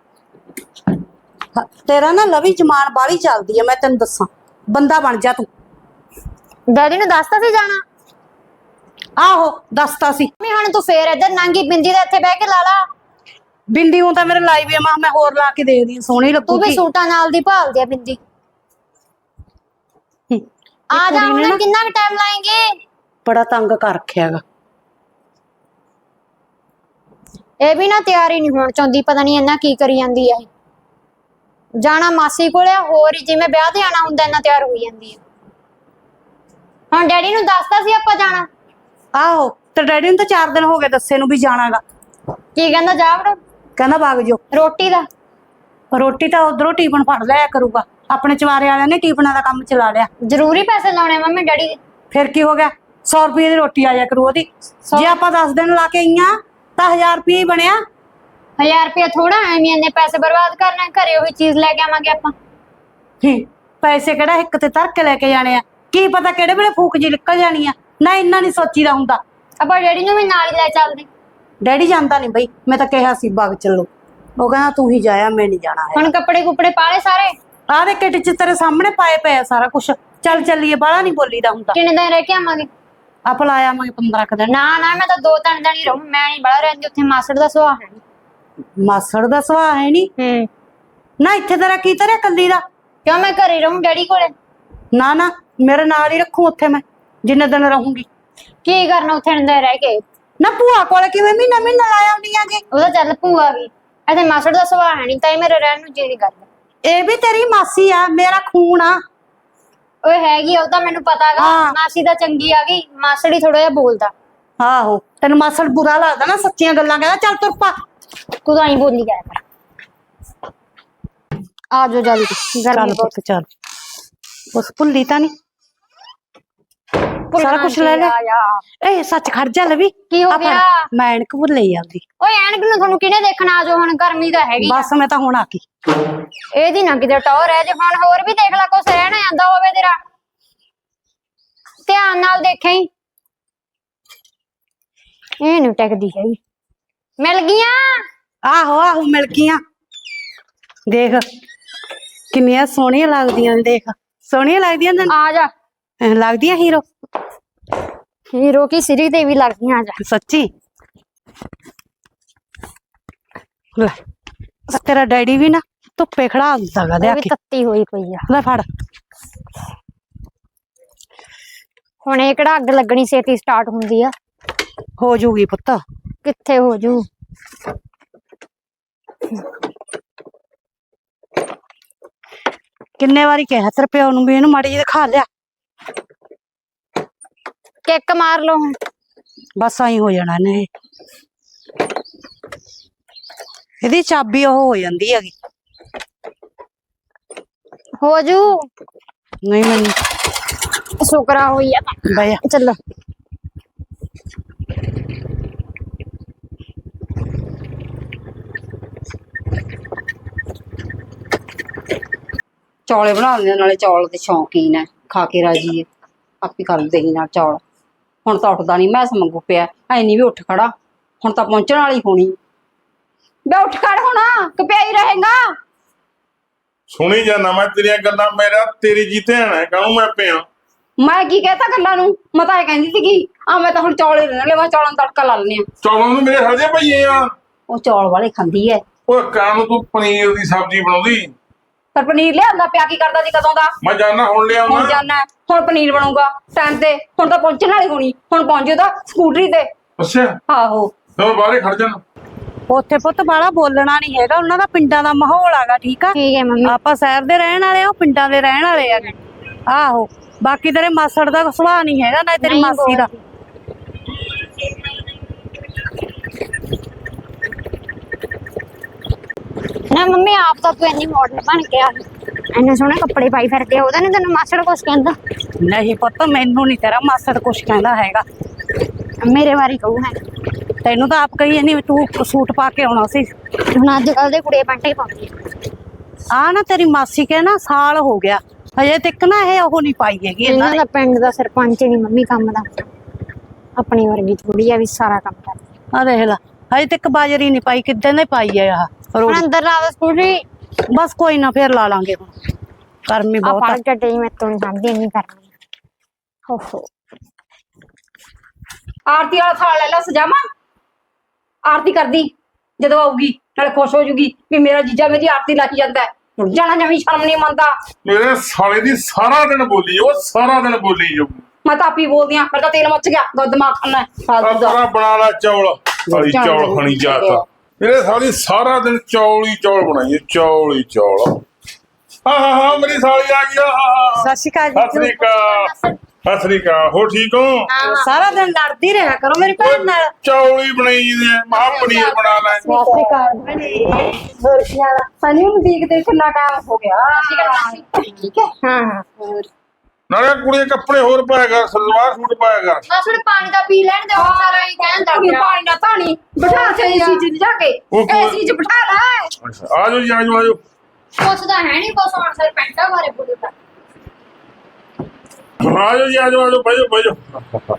Speaker 6: ਤੇਰਾ ਨਾ ਲਵੀ ਜ਼ਮਾਨ ਬਾਹਲੀ ਚੱਲਦੀ ਆ, ਮੈਂ ਤੈਨੂੰ ਦੱਸਾਂ। ਬੰਦਾ ਬਣ ਜਾ ਤੂੰ।
Speaker 5: ਡੈਡੀ ਨੂੰ ਦੱਸਤਾ ਸੀ ਜਾਣਾ?
Speaker 6: ਆਹੋ ਦੱਸਤਾ ਸੀ।
Speaker 5: ਮੰਮੀ ਹੁਣ ਤੂੰ ਫੇਰ ਇੱਧਰ ਨੰਗੀ ਬਿੰਦੀ ਦੇ ਇੱਥੇ ਬਹਿ ਕੇ ਲਾ ਲਾ।
Speaker 6: ਬਿੰਦੀ ਹੁਣ ਤਾਂ ਮੇਰੇ ਲਾਈ ਵੀ ਆ, ਮੈਂ ਹੋਰ ਲਾ ਕੇ ਦੇਖਦੀ ਆ, ਸੋਹਣੀ
Speaker 5: ਤੂੰ ਵੀ
Speaker 6: ਲੱਗੂਗੀ।
Speaker 5: ਸੂਟਾਂ ਨਾਲ ਦੀ ਭਾਲਦੀ ਆ ਬਿੰਦੀ। ਆ ਜਾ ਹੁਣ, ਕਿੰਨਾ ਕੁ ਟਾਈਮ ਲਾਏਂਗੇ?
Speaker 6: ਬੜਾ ਤੰਗ ਕਰ ਰੱਖਿਆ ਗਾ।
Speaker 5: ਇਹ ਵੀ ਨਾ ਤਿਆਰੀ ਨਹੀਂ ਹੋਣ ਚਾਹੁੰਦੀ, ਪਤਾ ਨਹੀਂ ਇੰਨਾ ਕੀ ਕਰੀ ਜਾਂਦੀ ਆ ਇਹ। ਜਾਣਾ ਮਾਸੀ ਕੋਲੇ, ਹੋਰ ਹੀ ਜਿਵੇਂ ਵਿਆਹ ਤੇ ਆਣਾ ਹੁੰਦਾ ਇੰਨਾ ਤਿਆਰ ਹੋਈ ਜਾਂਦੀ ਆ। ਹੁਣ ਡੈਡੀ ਨੂੰ ਦੱਸਤਾ ਸੀ ਆਪਾਂ ਜਾਣਾ?
Speaker 6: ਆਹੋ ਤੇ ਡੈਡੀ ਨੂੰ ਤਾਂ ਚਾਰ ਦਿਨ ਹੋ ਗਏ ਦੱਸੇ ਨੂੰ ਵੀ ਜਾਣਾਗਾ।
Speaker 5: ਕੀ ਕਹਿੰਦਾ? ਜਾ ਵੜ।
Speaker 6: ਕਹਿੰਦਾ ਵਗ ਜੋ।
Speaker 5: ਰੋਟੀ ਦਾ?
Speaker 6: ਰੋਟੀ ਤਾਂ ਉਧਰੋਂ ਟਿਫਨ ਫੜ ਲਿਆ ਕਰੂਗਾ, ਆਪਣੇ ਚਵਾਰੇ ਵਾਲਿਆਂ ਨੇ ਟਿਫਨਾਂ ਦਾ ਕੰਮ ਚਲਾ ਲਿਆ।
Speaker 5: ਜ਼ਰੂਰੀ ਪੈਸੇ ਲਾਉਣੇ ਮੰਮੀ ਡੈਡੀ ਦੇ?
Speaker 6: ਫਿਰ ਕੀ ਹੋ ਗਿਆ, ਸੌ ਰੁਪਏ ਦੀ ਰੋਟੀ ਆ ਜਾ ਕਰੂ ਉਹਦੀ। ਜੇ ਆਪਾਂ ਦਸ ਦਿਨ ਲਾ ਕੇ ਆਈਆਂ ਤਾਂ ਹਜ਼ਾਰ ਰੁਪਏ ਹੀ ਬਣਿਆ।
Speaker 5: ਹਜ਼ਾਰ ਰੁਪਇਆ ਥੋੜਾ, ਐਵੇਂ ਇੰਨੇ ਪੈਸੇ ਬਰਬਾਦ ਕਰਨਾ, ਘਰੇ ਉਹੀ ਚੀਜ਼ ਲੈ ਕੇ ਆਵਾਂਗੇ ਆਪਾਂ।
Speaker 6: ਹੂੰ, ਪੈਸੇ ਕਿਹੜਾ ਇੱਕ ਤੇ ਧਰ ਕੇ ਲੈ ਕੇ ਜਾਣੇ ਆ, ਕੀ ਪਤਾ ਕਿਹੜੇ ਵੇਲੇ ਫੂਕ ਜੀ ਨਿਕਲ ਜਾਣੀ ਆ। ਨਾ ਇੰਨਾ ਨਹੀਂ ਸੋਚੀਦਾ ਹੁੰਦਾ।
Speaker 5: ਆਪਾਂ ਡੈਡੀ ਨੂੰ ਵੀ ਨਾਲ ਹੀ ਲੈ ਚੱਲਦੇ।
Speaker 6: ਡੈਡੀ ਜਾਂਦਾ ਨਹੀਂ ਬਈ, ਮੈਂ ਤਾਂ ਕਿਹਾ ਸੀ ਬਾਗ ਚੱਲੋ, ਉਹ ਕਹਿੰਦਾ ਤੂੰ ਹੀ ਜਾਇਆ, ਮੈਂ ਨਹੀਂ ਜਾਣਾ ਹੈ।
Speaker 5: ਹੁਣ ਕੱਪੜੇ ਕੁਪੜੇ ਪਾਲੇ ਸਾਰੇ?
Speaker 6: ਆਹ ਦੇ ਕਿੱਟ ਚ ਤੇਰੇ ਸਾਹਮਣੇ ਪਾਏ ਪਏ ਆ ਸਾਰਾ ਕੁਛ। ਚੱਲ ਚੱਲੀਏ, ਬਾਹਲਾ ਨਹੀਂ ਬੋਲੀਦਾ ਹੁੰਦਾ।
Speaker 5: ਕਿੰਨੇ ਦਿਨ ਰਹਿ ਕੇ ਆਵਾਂਗੇ?
Speaker 6: ਆਪਾਂ ਲਾ ਆਵਾਂਗੇ ਪੰਦਰਾਂ ਕੁ ਦਿਨ।
Speaker 5: ਨਾ ਨਾ ਮੈਂ ਤਾਂ ਦੋ ਤਿੰਨ ਦਿਨ ਹੀ ਰਹੂੰ, ਮੈਂ ਨਹੀਂ ਬੜਾ ਰਹਿੰਦੀ ਉੱਥੇ, ਮਾਸੜ ਦਾ ਸੁਭਾਅ ਹੈ ਨਹੀਂ।
Speaker 6: ਮਾਸੜ ਦਾ ਸੁਭਾਅ ਹੈ ਨਹੀਂ?
Speaker 5: ਹੂੰ।
Speaker 6: ਨਾ ਇੱਥੇ ਤੇਰਾ ਕੀ ਤੇਰਾ ਕੱਲੀ ਦਾ?
Speaker 5: ਕਿਉਂ, ਮੈਂ ਘਰੇ ਰਹੂੰ ਡੈਡੀ ਕੋਲੇ।
Speaker 6: ਨਾ ਨਾ, ਮੇਰੇ ਨਾਲ ਹੀ ਰੱਖੂ ਉੱਥੇ ਮੈਂ ਜਿੰਨੇ ਦਿਨ ਰਹੂੰਗੀ।
Speaker 5: ਕੀ ਕਰਨਾ ਉੱਥੇ ਅੰਦਰ ਰਹਿ ਕੇ?
Speaker 6: ਨਾ ਭੂਆ ਕੋਲ ਕਿਵੇਂ ਮਹੀਨਾ ਮਹੀਨਾ ਲਾ ਆਉਂਦੀ ਆਂਗੇ?
Speaker 5: ਉਹਦਾ ਚੱਲ ਭੂਆ ਵੀ, ਇੱਥੇ ਮਾਸੜ ਦਾ ਸੁਭਾਅ ਹੈ ਨਹੀਂ, ਤਾਂ ਹੀ ਮੇਰੇ ਰਹਿਣ ਨੂੰ ਜੀ ਦੀ ਗੱਲ।
Speaker 6: ਇਹ ਵੀ ਤੇਰੀ ਮਾਸੀ ਆ, ਮੇਰਾ ਖੂਨ ਆ।
Speaker 5: ਓਏ ਹੈਗੀ, ਉਹ ਤਾਂ ਮੈਨੂੰ ਪਤਾਗਾ।
Speaker 6: ਹਾਂ।
Speaker 5: ਮਾਸੀ ਤਾਂ ਚੰਗੀ ਆ ਗਈ, ਮਾਸੜ ਹੀ ਥੋੜਾ ਜਿਹਾ ਬੋਲਦਾ।
Speaker 6: ਆਹੋ ਤੈਨੂੰ ਮਾਸੜ ਬੁਰਾ ਲੱਗਦਾ ਨਾ, ਸੱਚੀਆਂ ਗੱਲਾਂ ਕਹਿੰਦਾ। ਚੱਲ ਤੁਰ ਪਾ।
Speaker 5: ਤੂੰ ਤਾਂ ਹੀ ਬੋਲੀ ਜਾਇਆ ਕਰ। ਆ ਜਾਓ ਜਲਦੀ, ਗਰਮੀ
Speaker 6: ਚੱਲ
Speaker 5: ਬਹੁਤ।
Speaker 6: ਪੁੱਤ ਚੱਲ, ਬਸ ਭੁੱਲੀ ਤਾਂ ਨਹੀਂ, ਸਾਰਾ ਕੁਛ ਲੈ ਲੈ। ਏ ਸੱਚ ਖੜ ਜਾ ਲਵੀ।
Speaker 5: ਕੀ ਹੋ ਗਿਆ?
Speaker 6: ਮੈਂ ਐਨਕ ਭੁੱਲ ਹੀ ਜਾਂਦੀ।
Speaker 5: ਓਏ ਐਨਕ ਨੂੰ ਤੁਹਾਨੂੰ ਕਿਹਨੇ ਦੇਖਣਾ? ਆ ਜਾਓ ਹੁਣ, ਗਰਮੀ ਤਾਂ ਹੈਗੀ।
Speaker 6: ਬਸ ਮੈਂ ਤਾਂ ਹੁਣ ਆ ਗਈ।
Speaker 5: ਇਹਦੀ ਨਾ ਕਿਤੇ ਟੌਰ ਹੈ, ਜੇ ਹੁਣ ਹੋਰ ਵੀ ਦੇਖ ਲੈ ਕੁਛ ਰਹਿਣਾ ਜਾਂਦਾ ਹੋਵੇ ਤੇਰਾ, ਧਿਆਨ ਨਾਲ ਦੇਖੀ। ਇਹ ਨੀ ਟਿਕਦੀ ਹੈਗੀ। ਮਿਲ ਗਈਆਂ?
Speaker 6: ਆਹੋ ਆਹੋ ਮਿਲ ਗਈਆਂ। ਦੇਖ ਕਿੰਨੀਆਂ ਸੋਹਣੀਆਂ ਲੱਗਦੀਆਂ ਨੇ, ਦੇਖ ਸੋਹਣੀਆਂ ਲੱਗਦੀਆਂ ਨੇ।
Speaker 5: ਆ ਜਾ।
Speaker 6: ਐਂ ਲੱਗਦੀਆਂ ਹੀਰੋ।
Speaker 5: ਹੀਰੋ ਕੀ ਸਿਰੀ ਤੇ ਵੀ ਲੱਗਦੀਆਂ। ਆ ਜਾ।
Speaker 6: ਸੱਚੀ ਲੈ, ਤੇਰਾ ਡੈਡੀ ਵੀ ਨਾ ਧੁੱਪੇ ਖੜਾ ਹੁੰਦਾ ਗਾ,
Speaker 5: ਉਹ
Speaker 6: ਲਿਆ
Speaker 5: ਵੀ
Speaker 6: ਕੇ
Speaker 5: ਤੱਤੀ ਹੋਈ ਪਈ ਆ।
Speaker 6: ਲੈ ਫੜ।
Speaker 5: ਹੁਣ ਇਹ ਕਿਹੜਾ ਅੱਗ ਲੱਗਣੀ ਛੇਤੀ ਸਟਾਰਟ ਹੁੰਦੀ ਆ?
Speaker 6: ਹੋ ਜੂਗੀ ਪੁੱਤ।
Speaker 5: ਕਿੱਥੇ ਹੋ ਜੂ?
Speaker 6: ਕਿੰਨੇ ਵਾਰੀ ਕਿਹਾ ਤੇਰੇ ਪਿਓ ਨੂੰ ਵੀ ਇਹਨੂੰ ਮਾੜੀ ਜਿਹੀ ਦਿਖਾ ਲਿਆ।
Speaker 5: ਕਿੱਕ ਮਾਰ ਲਓ ਹੁਣ।
Speaker 6: ਬਸ ਆਈ ਹੋ ਜਾਣਾ ਨੇ। ਇਹਦੀ ਚਾਬੀ ਉਹ ਹੋ ਜਾਂਦੀ ਹੈਗੀ।
Speaker 5: ਹੋ ਜੂ।
Speaker 6: ਨਹੀਂ ਮੈਨੂੰ
Speaker 5: ਸ਼ੁਕਰਾ ਹੋਈ ਆ।
Speaker 6: ਬਈਆ
Speaker 5: ਚੱਲੋ।
Speaker 1: ਚੌਲੇ ਬਣਾ ਲੈਂਦੇ, ਨਾਲੇ ਚੌਲ ਦੇ ਸ਼ੌਕੀਨ ਹੈ, ਖਾ ਕੇ ਰਾਜੀ ਹੈ, ਆਪੀ ਕਰ ਦੇਈ ਨਾਲ ਚੌਲ। ਹੁਣ ਤਾਂ ਉੱਠਦਾ ਨਹੀਂ, ਮੈਂ ਮੰਗੂ ਪਿਆ ਐਨੀ ਵੀ ਉੱਠ ਖੜਾ, ਹੁਣ ਤਾਂ ਪਹੁੰਚਣ ਵਾਲੀ ਹੋਣੀ। ਬੇ ਉੱਠ ਖੜ ਹੋਣਾ ਕਿ ਪਿਆ ਹੀ ਰਹੇਗਾ?
Speaker 2: ਸੁਣੀ ਜਾਣਾ ਮੈਂ ਤੇਰੀਆਂ ਗੱਲਾਂ, ਮੇਰਾ ਤੇਰੀ ਜੀ ਧਿਆਨ ਹੈ, ਕਾਹਨੂੰ ਮੈਂ ਪਿਆ।
Speaker 1: ਮੈਂ ਕੀ ਕਹਤਾ ਗੱਲਾਂ ਨੂੰ? ਮੈਂ ਤਾਂ ਇਹ ਕਹਿੰਦੀ ਸੀਗੀ ਆ ਮੈਂ ਤਾਂ ਹੁਣ ਚੌਲ ਹੀ ਲੈਣੇ ਮੈਂ ਚੌਲਾਂ ਦਾ ਤੜਕਾ ਲਾ ਲੈਣੇ ਆ।
Speaker 2: ਚੌਲਾਂ ਨੂੰ ਮੇਰੇ ਹਜੇ ਪਈਏ ਆ।
Speaker 1: ਉਹ ਚੌਲ ਵਾਲੇ ਖਾਂਦੀ ਐ।
Speaker 2: ਉਹ ਕਾਂ ਨੂੰ ਤੂੰ ਪਨੀਰ ਦੀ ਸਬਜ਼ੀ ਬਣਾਉਂਦੀ।
Speaker 1: ਪਰ ਪਨੀਰ ਲਿਆਂਦਾ ਪਿਆ ਕੀ ਕਰਦਾ ਸੀ ਕਦੋਂ ਦਾ?
Speaker 2: ਮੈਂ ਜਾਣਾ ਹੁਣ
Speaker 1: ਹੁਣ
Speaker 2: ਲਿਆਉਣਾ।
Speaker 1: ਜਾਣਾ ਹੁਣ ਪਨੀਰ ਬਣੂਗਾ ਟਾਈਮ ਤੇ। ਹੁਣ ਤਾਂ ਪਹੁੰਚਣ ਵਾਲੀ ਹੋਣੀ। ਹੁਣ ਪਹੁੰਚੇ ਤਾਂ ਸਕੂਟਰੀ ਤੇ।
Speaker 2: ਅੱਛਾ
Speaker 1: ਆਹੋ
Speaker 2: ਚਲੋ ਬਾਹਰੇ ਖੜ ਜਾਣਾ।
Speaker 6: ਉੱਥੇ ਪੁੱਤ ਬਾਹਲਾ ਬੋਲਣਾ ਨਹੀਂ ਹੈਗਾ, ਉਹਨਾਂ ਦਾ ਪਿੰਡਾਂ ਦਾ ਮਾਹੌਲ ਆਗਾ। ਠੀਕ ਆ,
Speaker 5: ਠੀਕ ਹੈ ਮੰਮੀ।
Speaker 6: ਆਪਾਂ ਸ਼ਹਿਰ ਦੇ ਰਹਿਣ ਵਾਲੇ ਆ, ਉਹ ਪਿੰਡਾਂ ਦੇ ਰਹਿਣ ਵਾਲੇ ਆ। ਆਹੋ ਬਾਕੀ ਤੇਰੇ ਮਾਸੜ ਦਾ ਸੁਭਾਅ ਨਹੀਂ ਹੈਗਾ ਨਾ ਤੇਰੀ
Speaker 5: ਨਹੀਂ
Speaker 6: ਮਾਸੀ ਦਾ।
Speaker 5: ਨਾ ਮੰਮੀ ਆਪ ਤਾਂ ਤੂੰ ਇੰਨੀ ਮਾਡਰਨ ਬਣ ਕੇ ਆ ਇੰਨੇ ਸੋਹਣੇ ਕੱਪੜੇ ਪਾਈ ਫਿਰਦੇ ਆ, ਉਹਦਾ ਨੀ ਤੈਨੂੰ ਮਾਸੜ ਕੁਛ ਕਹਿੰਦਾ?
Speaker 6: ਨਹੀਂ ਪੁੱਤ ਮੈਨੂੰ ਨਹੀਂ ਤੇਰਾ ਮਾਸੜ ਕੁਛ ਕਹਿੰਦਾ ਹੈਗਾ।
Speaker 5: ਮੇਰੇ ਵਾਰੀ ਕਹੂ ਹੈ।
Speaker 6: ਤੈਨੂੰ ਤਾਂ ਆਪ ਕਹੀ ਨਹੀਂ ਤੂੰ ਸੂਟ ਪਾ ਕੇ ਆਉਣਾ ਸੀ।
Speaker 5: ਹੁਣ ਅੱਜ ਕੱਲ ਦੇ ਕੁੜੀਆਂ ਪੈਂਟਾਂ ਹੀ ਪਾਉਂਦੀਆਂ।
Speaker 6: ਆ ਨਾ ਤੇਰੀ ਮਾਸੀ ਕੇ ਨਾ ਸਾਲ ਹੋ ਗਿਆ ਹਜੇ ਤੱਕ ਨਾ ਇਹ ਉਹ ਨਹੀਂ ਪਾਈ ਹੈਗੀ ਇਹਨਾਂ
Speaker 5: ਇਹਨਾਂ
Speaker 6: ਨੇ।
Speaker 5: ਦਾ ਪਿੰਡ ਦਾ ਸਰਪੰਚ ਨਹੀਂ ਮੰਮੀ ਕੰਮ ਦਾ, ਆਪਣੀ ਵਰਗੀ ਥੋੜੀ ਆ ਵੀ ਸਾਰਾ ਕੰਮ ਕਰਦੀ।
Speaker 6: ਆ ਦੇਖ ਲਾ ਹਜੇ ਤੱਕ ਬਾਜਰੀ ਨਹੀਂ ਪਾਈ, ਕਿੱਦਾਂ ਦੀ ਪਾਈ ਹੈ ਆਹ
Speaker 5: ਹੁਣ
Speaker 6: ਰੋੜੀ।
Speaker 5: ਅੰਦਰ ਲਾ ਦੇ ਸਕੂਟਰੀ।
Speaker 6: ਬਸ ਕੋਈ ਨਾ ਫੇਰ ਲਾ ਲਾਂਗੇ ਹੁਣ, ਗਰਮੀ
Speaker 5: ਆ
Speaker 6: ਬਹੁਤ ਆ।
Speaker 5: ਪੜ ਚੱਟੇ ਮੈਂ ਤੋਂ ਨਹੀਂ ਸਮਝਦੀ ਇੰਨੀ ਕਰਨੀ। ਓਹੋ
Speaker 1: ਆਰਤੀ ਵਾਲਾ ਥਾਲ ਲੈ ਲਾ ਸਜਾਵਾਂ। ਆਰਤੀ ਕਰਦੀ ਜਦੋਂ ਆਊਗੀ ਨਾਲੇ ਖੁਸ਼ ਹੋ ਜੂਗੀ ਵੀ ਮੇਰਾ ਜੀਜਾ ਮੇਰੀ ਆਰਤੀ ਲਾਈ ਜਾਂਦਾ ਹੈ। ਹੁਣ ਜਾਣਾ ਜਮੀ ਸ਼ਰਮ ਨਹੀਂ ਮੰਨਦਾ।
Speaker 2: ਮੇਰੇ ਸਾਲੇ ਦੀ ਸਾਰਾ ਦਿਨ ਬੋਲੀ ਉਹ ਸਾਰਾ ਦਿਨ ਬੋਲੀ ਜੋ।
Speaker 1: ਮੈਂ ਤਾਂ ਆਪੀ ਬੋਲਦੀ ਆ। ਮੇਰਾ ਤਾਂ ਤੇਲ ਮੱਚ ਗਿਆ। ਦੁੱਧ ਦਿਮਾਗ ਖਾਣਾ ਫਾਲਤੂ ਦਾ।
Speaker 2: ਆਪਣਾ ਬਣਾ ਲਾ ਚੌਲ। ਸਾਰੀ ਚੌਲ ਖਾਣੀ ਜਾਤਾ ਮੇਰੇ ਸਾਲੀ ਸਾਰਾ ਦਿਨ ਚੌਲ ਹੀ ਚੌਲ ਬਣਾਈਏ ਚੌਲ ਹੀ ਚੌਲ। ਹਾਂ ਹਾਂ ਹਾਂ ਮੇਰੀ ਸਾਲੀ ਆ ਗਈ। ਹਾਂ ਹਾਂ
Speaker 6: ਸਤਿ ਸ਼੍ਰੀ ਅਕਾਲ
Speaker 2: ਸਤਿ ਸ੍ਰੀ ਅਕਾਲ ਸਤਿ ਸ੍ਰੀ ਅਕਾਲ। ਹੋ ਠੀਕ ਹੋ?
Speaker 6: ਸਾਰਾ ਦਿਨ ਲੜਦੀ ਰਿਹਾ ਕਰੋ ਮੇਰੀ ਭੈਣ ਨਾਲ।
Speaker 2: ਚੌਲ ਹੀ ਬਣਾਈ ਜੀ ਮਹਾ ਪਨੀਰ ਬਣਾ ਲੈ।
Speaker 6: ਸਤਿ ਸ਼੍ਰੀ ਅਕਾਲ।
Speaker 1: ਹੋਰ ਕੀ ਹਾਲ ਆ? ਸਨੀ ਨੂੰ ਦੇਖਦੇ ਕਿੰਨਾ ਟਾਈਮ ਹੋ ਗਿਆ। ਠੀਕ ਹੈ।
Speaker 5: ਹਾਂ ਹਾਂ
Speaker 2: ਨਾਲੇ ਕੁੜੀਆਂ ਕੱਪੜੇ ਹੋਰ ਪਾਇਆ ਕਰ ਸਲਵਾਰ ਸੂਟ ਪਾਇਆ ਕਰ।
Speaker 5: ਮਾਸੜ ਪਾਣੀ ਦਾ ਪੀ ਲੈਣ ਦੇ ਉਹ ਸਾਰਾ ਹੀ ਕਹਿੰਦਾ
Speaker 1: ਤੂੰ ਪਾਣੀ ਨਾ ਧਾਣੀ ਬਿਠਾ ਕੇ ਏਸੀ ਚ ਜਾ ਕੇ
Speaker 2: ਉਹ ਕੋਈ-
Speaker 1: ਏਸੀ ਚ ਬਿਠਾ ਲੈ।
Speaker 2: ਆ ਜਾਓ ਜੀ ਆ ਜਾਓ ਆ ਜਾਓ।
Speaker 5: ਪੁੱਛਦਾ ਹੈ ਨਹੀਂ ਕੁਛ ਹੁਣ ਸਰ ਪੈਂਟਾਂ ਬਾਰੇ ਬੋਲਦਾ।
Speaker 2: ਆ ਜਾਓ ਜੀ ਆ ਜਾਓ ਆ ਜਾਓ ਬੈਜੋ ਬੈਜੋ।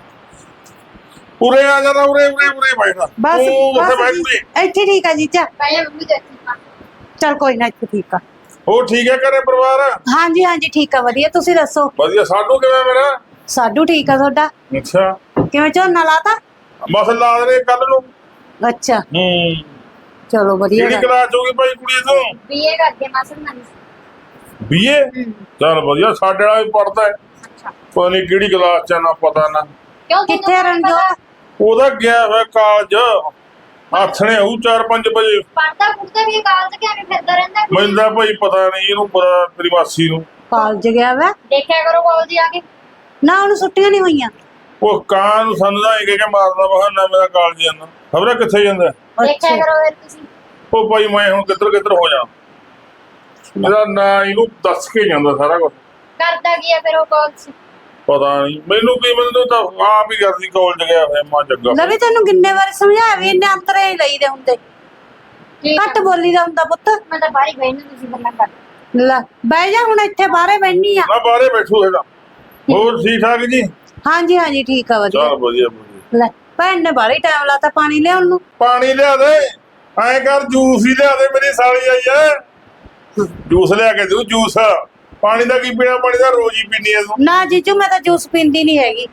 Speaker 2: ਉਰੇ ਆ ਜਾਣਾ ਉਰੇ ਉਰੇ ਉਰੇ ਬੈਠਾ।
Speaker 6: ਬਸ
Speaker 2: ਉਹ ਉੱਥੇ ਬੈਠ
Speaker 6: ਬਸ
Speaker 2: ਉਰੇ।
Speaker 6: ਇੱਥੇ ਠੀਕ ਆ ਜੀਜਾ।
Speaker 5: ਕਹਿੰਦਾ ਮੰਮੀ ਦੇ
Speaker 6: ਚਲ ਕੋਈ ਨਾ ਇੱਥੇ ਠੀਕ ਆ।
Speaker 2: ਹੋਰ ਠੀਕ ਹੈ ਘਰੇ ਪਰਿਵਾਰ?
Speaker 6: ਹਾਂਜੀ ਹਾਂਜੀ ਠੀਕ ਆ ਵਧੀਆ, ਤੁਸੀਂ ਦੱਸੋ?
Speaker 2: ਵਧੀਆ। ਸਾਡੂ ਕਿਵੇਂ ਮੇਰਾ?
Speaker 6: ਸਾਡੂ ਠੀਕ ਆ ਤੁਹਾਡਾ?
Speaker 2: ਅੱਛਾ
Speaker 6: ਕਿਵੇਂ ਝੋਨਾ ਲਾਤਾ?
Speaker 2: ਬਸ ਲਾ ਦੇ ਕੱਲ ਨੂੰ।
Speaker 6: ਅੱਛਾ
Speaker 2: ਹੂੰ
Speaker 6: ਚਲੋ ਵਧੀਆ
Speaker 2: ਕਿਹੜੀ
Speaker 6: ਗੱਲ।
Speaker 2: ਕਲਾਸ ਹੋਗੀ ਭਾਈ ਕੁੜੀ ਤੋਂ?
Speaker 5: ਬੀਏ ਕਰਦੇ ਮਾਸੜ ਨਾਲ।
Speaker 2: ਬੀਏ। ਚੱਲ ਵਧੀਆ ਸਾਡੇ ਵਾਲਾ ਵੀ ਪੜਦਾ ਹੈ। ਪਤਾ ਨਹੀਂ ਕਿਹੜੀ ਕਲਾਸ ਚ ਆ, ਨਾ ਪਤਾ ਨਾ।
Speaker 5: ਕਿਉਂ
Speaker 6: ਕਿੱਥੇ ਰਣਜੋਤ?
Speaker 2: ਉਹਦਾ ਗਿਆ ਹੋਇਆ ਕਾਲਜ ਆਥਣੇ ਹੋਊ ਚਾਰ ਪੰਜ ਵਜੇ।
Speaker 5: ਪੜਦਾ ਪੁੱਛਦਾ ਵੀ ਕਾਲਜ ਕਿਵੇਂ ਫਿਰਦਾ ਰਹਿੰਦਾ?
Speaker 2: ਮੈਨੂੰ ਤਾਂ ਭਾਈ ਪਤਾ ਨਹੀਂ ਇਹਨੂੰ ਪਤਾ ਤੇਰੀ ਮਾਸੀ ਨੂੰ।
Speaker 6: ਕਾਲਜ ਗਿਆ ਵਾ?
Speaker 5: ਦੇਖਿਆ ਕਰੋ ਕਾਲਜ ਆ ਕੇ।
Speaker 6: ਨਾ ਉਹਨੂੰ ਛੁੱਟੀਆਂ ਨਹੀਂ ਹੋਈਆਂ।
Speaker 2: ਉਹ ਕਾਂ ਨੂੰ ਸਾਨੂੰ ਤਾਂ ਇਹ ਕਹਿ ਕੇ ਮਾਰਦਾ ਬਹਾਨਾ ਮੇਰਾ ਕਾਲਜ ਜਾਂਦਾ ਖਬਰ ਕਿੱਥੇ ਜਾਂਦਾ।
Speaker 5: ਦੇਖਿਆ ਕਰੋ ਫਿਰ ਤੁਸੀਂ।
Speaker 2: ਉਹ ਭਾਈ ਮੈਂ ਹੁਣ ਕਿੱਧਰ ਕਿੱਧਰ ਹੋ ਜਾ। ਮੇਰਾ ਨਾਂ ਇਹਨੂੰ ਦੱਸ ਕੇ ਜਾਂਦਾ ਸਾਰਾ ਕੁਝ।
Speaker 5: ਕਰਦਾ ਕੀ ਆ ਫਿਰ ਉਹ ਕਾਲਜ?
Speaker 2: ਪਤਾ ਨਹੀਂ ਮੈਨੂੰ ਕੀ ਮੈਨੂੰ ਤਾਂ ਆਪ ਹੀ ਕਰਦੀ ਕਾਲਜ ਗਿਆ ਹੋਇਆ ਮਾਂ ਜੱਗਾ।
Speaker 6: ਲਵੀ ਤੈਨੂੰ ਕਿੰਨੇ ਵਾਰ ਸਮਝਾਇਆ ਵੀ ਇੰਨੇ ਅੰਤਰੇ ਹੀ ਲਈਦੇ ਹੁੰਦੇ, ਘੱਟ ਬੋਲੀ ਦਾ ਹੁੰਦਾ ਪੁੱਤ।
Speaker 5: ਮੈਂ ਤਾਂ ਬਾਹਰ ਹੀ ਬੈਠੀ ਤੁਸੀਂ ਗੱਲਾਂ ਕਰ।
Speaker 6: ਲੈ ਬਹਿ ਜਾ ਹੁਣ ਇੱਥੇ ਬਾਹਰੇ ਬੈਠੀ ਆ।
Speaker 2: ਮੈਂ ਬਾਹਰੇ ਬੈਠੂ ਹੈਗਾ। ਹੋਰ ਠੀਕ ਠਾਕ ਜੀ?
Speaker 6: ਹਾਂਜੀ ਹਾਂਜੀ ਠੀਕ ਆ ਵਧੀਆ।
Speaker 2: ਚਲ ਵਧੀਆ ਵਧੀਆ।
Speaker 6: ਲੈ ਭੈਣ ਨੇ ਬਾਹਲੀ ਟਾਈਮ ਲਾਤਾ ਪਾਣੀ ਲਿਆਉਣ ਨੂੰ।
Speaker 2: ਪਾਣੀ ਲਿਆ ਦੇ। ਐਂ ਕਰ ਜੂਸ ਹੀ ਲਿਆ ਦੇ ਮੇਰੀ ਸਾਲੀ ਆਈ ਐ। ਜੂਸ ਲਿਆ ਕੇ ਦੂ ਜੂਸ। ਪਾਣੀ ਦਾ ਕੀ ਪੀਣਾ? ਪਾਣੀ ਦਾ ਰੋਜ਼ ਹੀ ਪੀਣੀ ਐ ਤੂੰ।
Speaker 6: ਨਾ ਜੀਜੂ ਮੈਂ ਤਾਂ ਜੂਸ ਪੀਂਦੀ ਨਹੀਂ ਹੈਗੀ।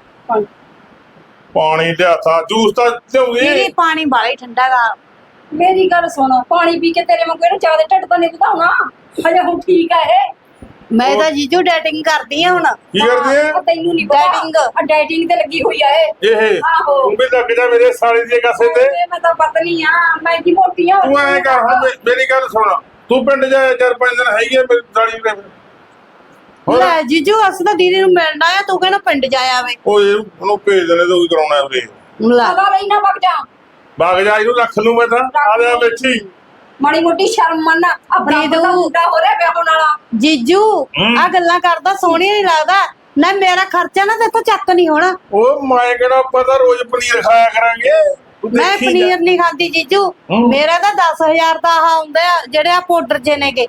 Speaker 2: ਪਾਣੀ ਲਿਆਤਾ ਜੂਸ ਤਾਂ
Speaker 6: ਦੀਦੀ
Speaker 2: ਲਿਆਉਂਗੀ।
Speaker 6: ਪਾਣੀ ਬਾਹਲਾ ਹੀ ਠੰਡਾ ਗਾ।
Speaker 1: ਮੇਰੀ ਗੱਲ ਸੁਣੋ ਪਾਣੀ ਪੀ ਕੇ ਤੇਰੇ ਵਾਂਗੂ ਇਹਨੂੰ ਜ਼ਿਆਦਾ ਢਿੱਡ ਤਾਂ ਨਹੀਂ ਵਧਾਉਣਾ। ਹਜੇ ਹੁਣ ਠੀਕ ਆ ਇਹ।
Speaker 6: ਮੈਂ ਤਾਂ ਜੀਜੂ ਡੇਟਿੰਗ ਕਰਦੀ ਆ ਹੁਣ।
Speaker 2: ਕੀ ਕਰਦੀ ਐ?
Speaker 1: ਉਹ ਤੈਨੂੰ ਨਹੀਂ ਪਤਾ।
Speaker 6: Dating।
Speaker 1: ਆ ਡਾਈਟਿੰਗ ਤੇ ਲੱਗੀ ਹੋਈ ਆ ਇਹ।
Speaker 2: ਇਹ
Speaker 1: ਆਹੋ।
Speaker 2: ਤੂੰ ਵੀ ਲੱਗ ਜਾ ਮੇਰੇ ਸਾਲੀ ਦੇ ਕਾਸੇ ਤੇ।
Speaker 1: ਇਹ ਮੈਂ ਤਾਂ ਪਤਲੀ ਆ। ਮੈਂ ਕੀ ਮੋਟੀ ਆ।
Speaker 2: ਤੂੰ ਐਂ ਕਰ ਹੁਣ ਮੇ- ਮੇਰੀ ਗੱਲ ਸੁਣ। ਤੂੰ ਪਿੰਡ ਜਾ ਚਾਰ ਪੰਜ ਦਿਨ ਹੈਗੀ ਆ ਮੇਰੀ ਸਾਲੀ ਦੇ। ਹੋਰ
Speaker 6: ਲੈ ਜੀਜੂ ਅਸੀਂ ਤਾਂ ਦੀਦੀ ਨੂੰ ਮਿਲਣਾ ਆ, ਤੂੰ ਕਹਿੰਦਾ ਪਿੰਡ ਜਾਇਆ ਵੇ।
Speaker 2: ਉਹ ਇਹ ਉਹਨੂੰ ਭੇਜ ਦੇਣੇ ਤੇ ਉਹੀ ਕਰਾਉਣਾ ਉਰੇ।
Speaker 6: ਲੈ
Speaker 1: ਸਦਾ ਲਈ ਨਾ ਵਗ ਜਾ।
Speaker 2: ਬਾਗ ਜਾ ਇਹਨੂੰ ਰੱਖ ਲੂ ਮੈਂ ਤਾਂ। ਆ ਜਾ ਬੈਠੀ।
Speaker 1: ਮਾੜੀ ਮੋਟੀ ਸ਼ਰਮ ਮੰਨ। ਆਪਣਾ
Speaker 6: ਦੀਦੂ।
Speaker 1: ਪਤਾ ਮੁੰਡਾ ਹੋ ਰਿਹਾ ਵਿਆਹ ਹੋਣ ਵਾਲਾ।
Speaker 6: ਜੀਜੂ
Speaker 2: ਹਮ।
Speaker 6: ਆ ਗੱਲਾਂ ਕਰਦਾ ਸੋਹਣੀ ਨਹੀਂ ਲੱਗਦਾ ਨਾ। ਮੇਰਾ ਖਰਚਾ ਨਾ ਤੇ ਤੋਂ ਚੱਕ ਨਹੀਂ ਹੋਣਾ।
Speaker 2: ਉਹ ਮੈਂ ਕਿਹੜਾ ਪਤਾ ਰੋਜ਼ ਪਨੀਰ ਖਾਇਆ ਕਰਾਂਗੇ। ਤੂੰ
Speaker 6: ਮੈਂ
Speaker 2: ਦੇਖੀ ਜਾ।
Speaker 6: ਪਨੀਰ ਨਹੀਂ ਖਾਂਦੀ ਜੀਜੂ।
Speaker 2: ਹਮ।
Speaker 6: ਮੇਰਾ ਤਾਂ ਦਸ ਹਜ਼ਾਰ ਦਾ ਆਹ ਹੁੰਦਾ ਆ ਜਿਹੜੇ ਆ ਪਾਊਡਰ ਜੇ ਨੇਗੇ।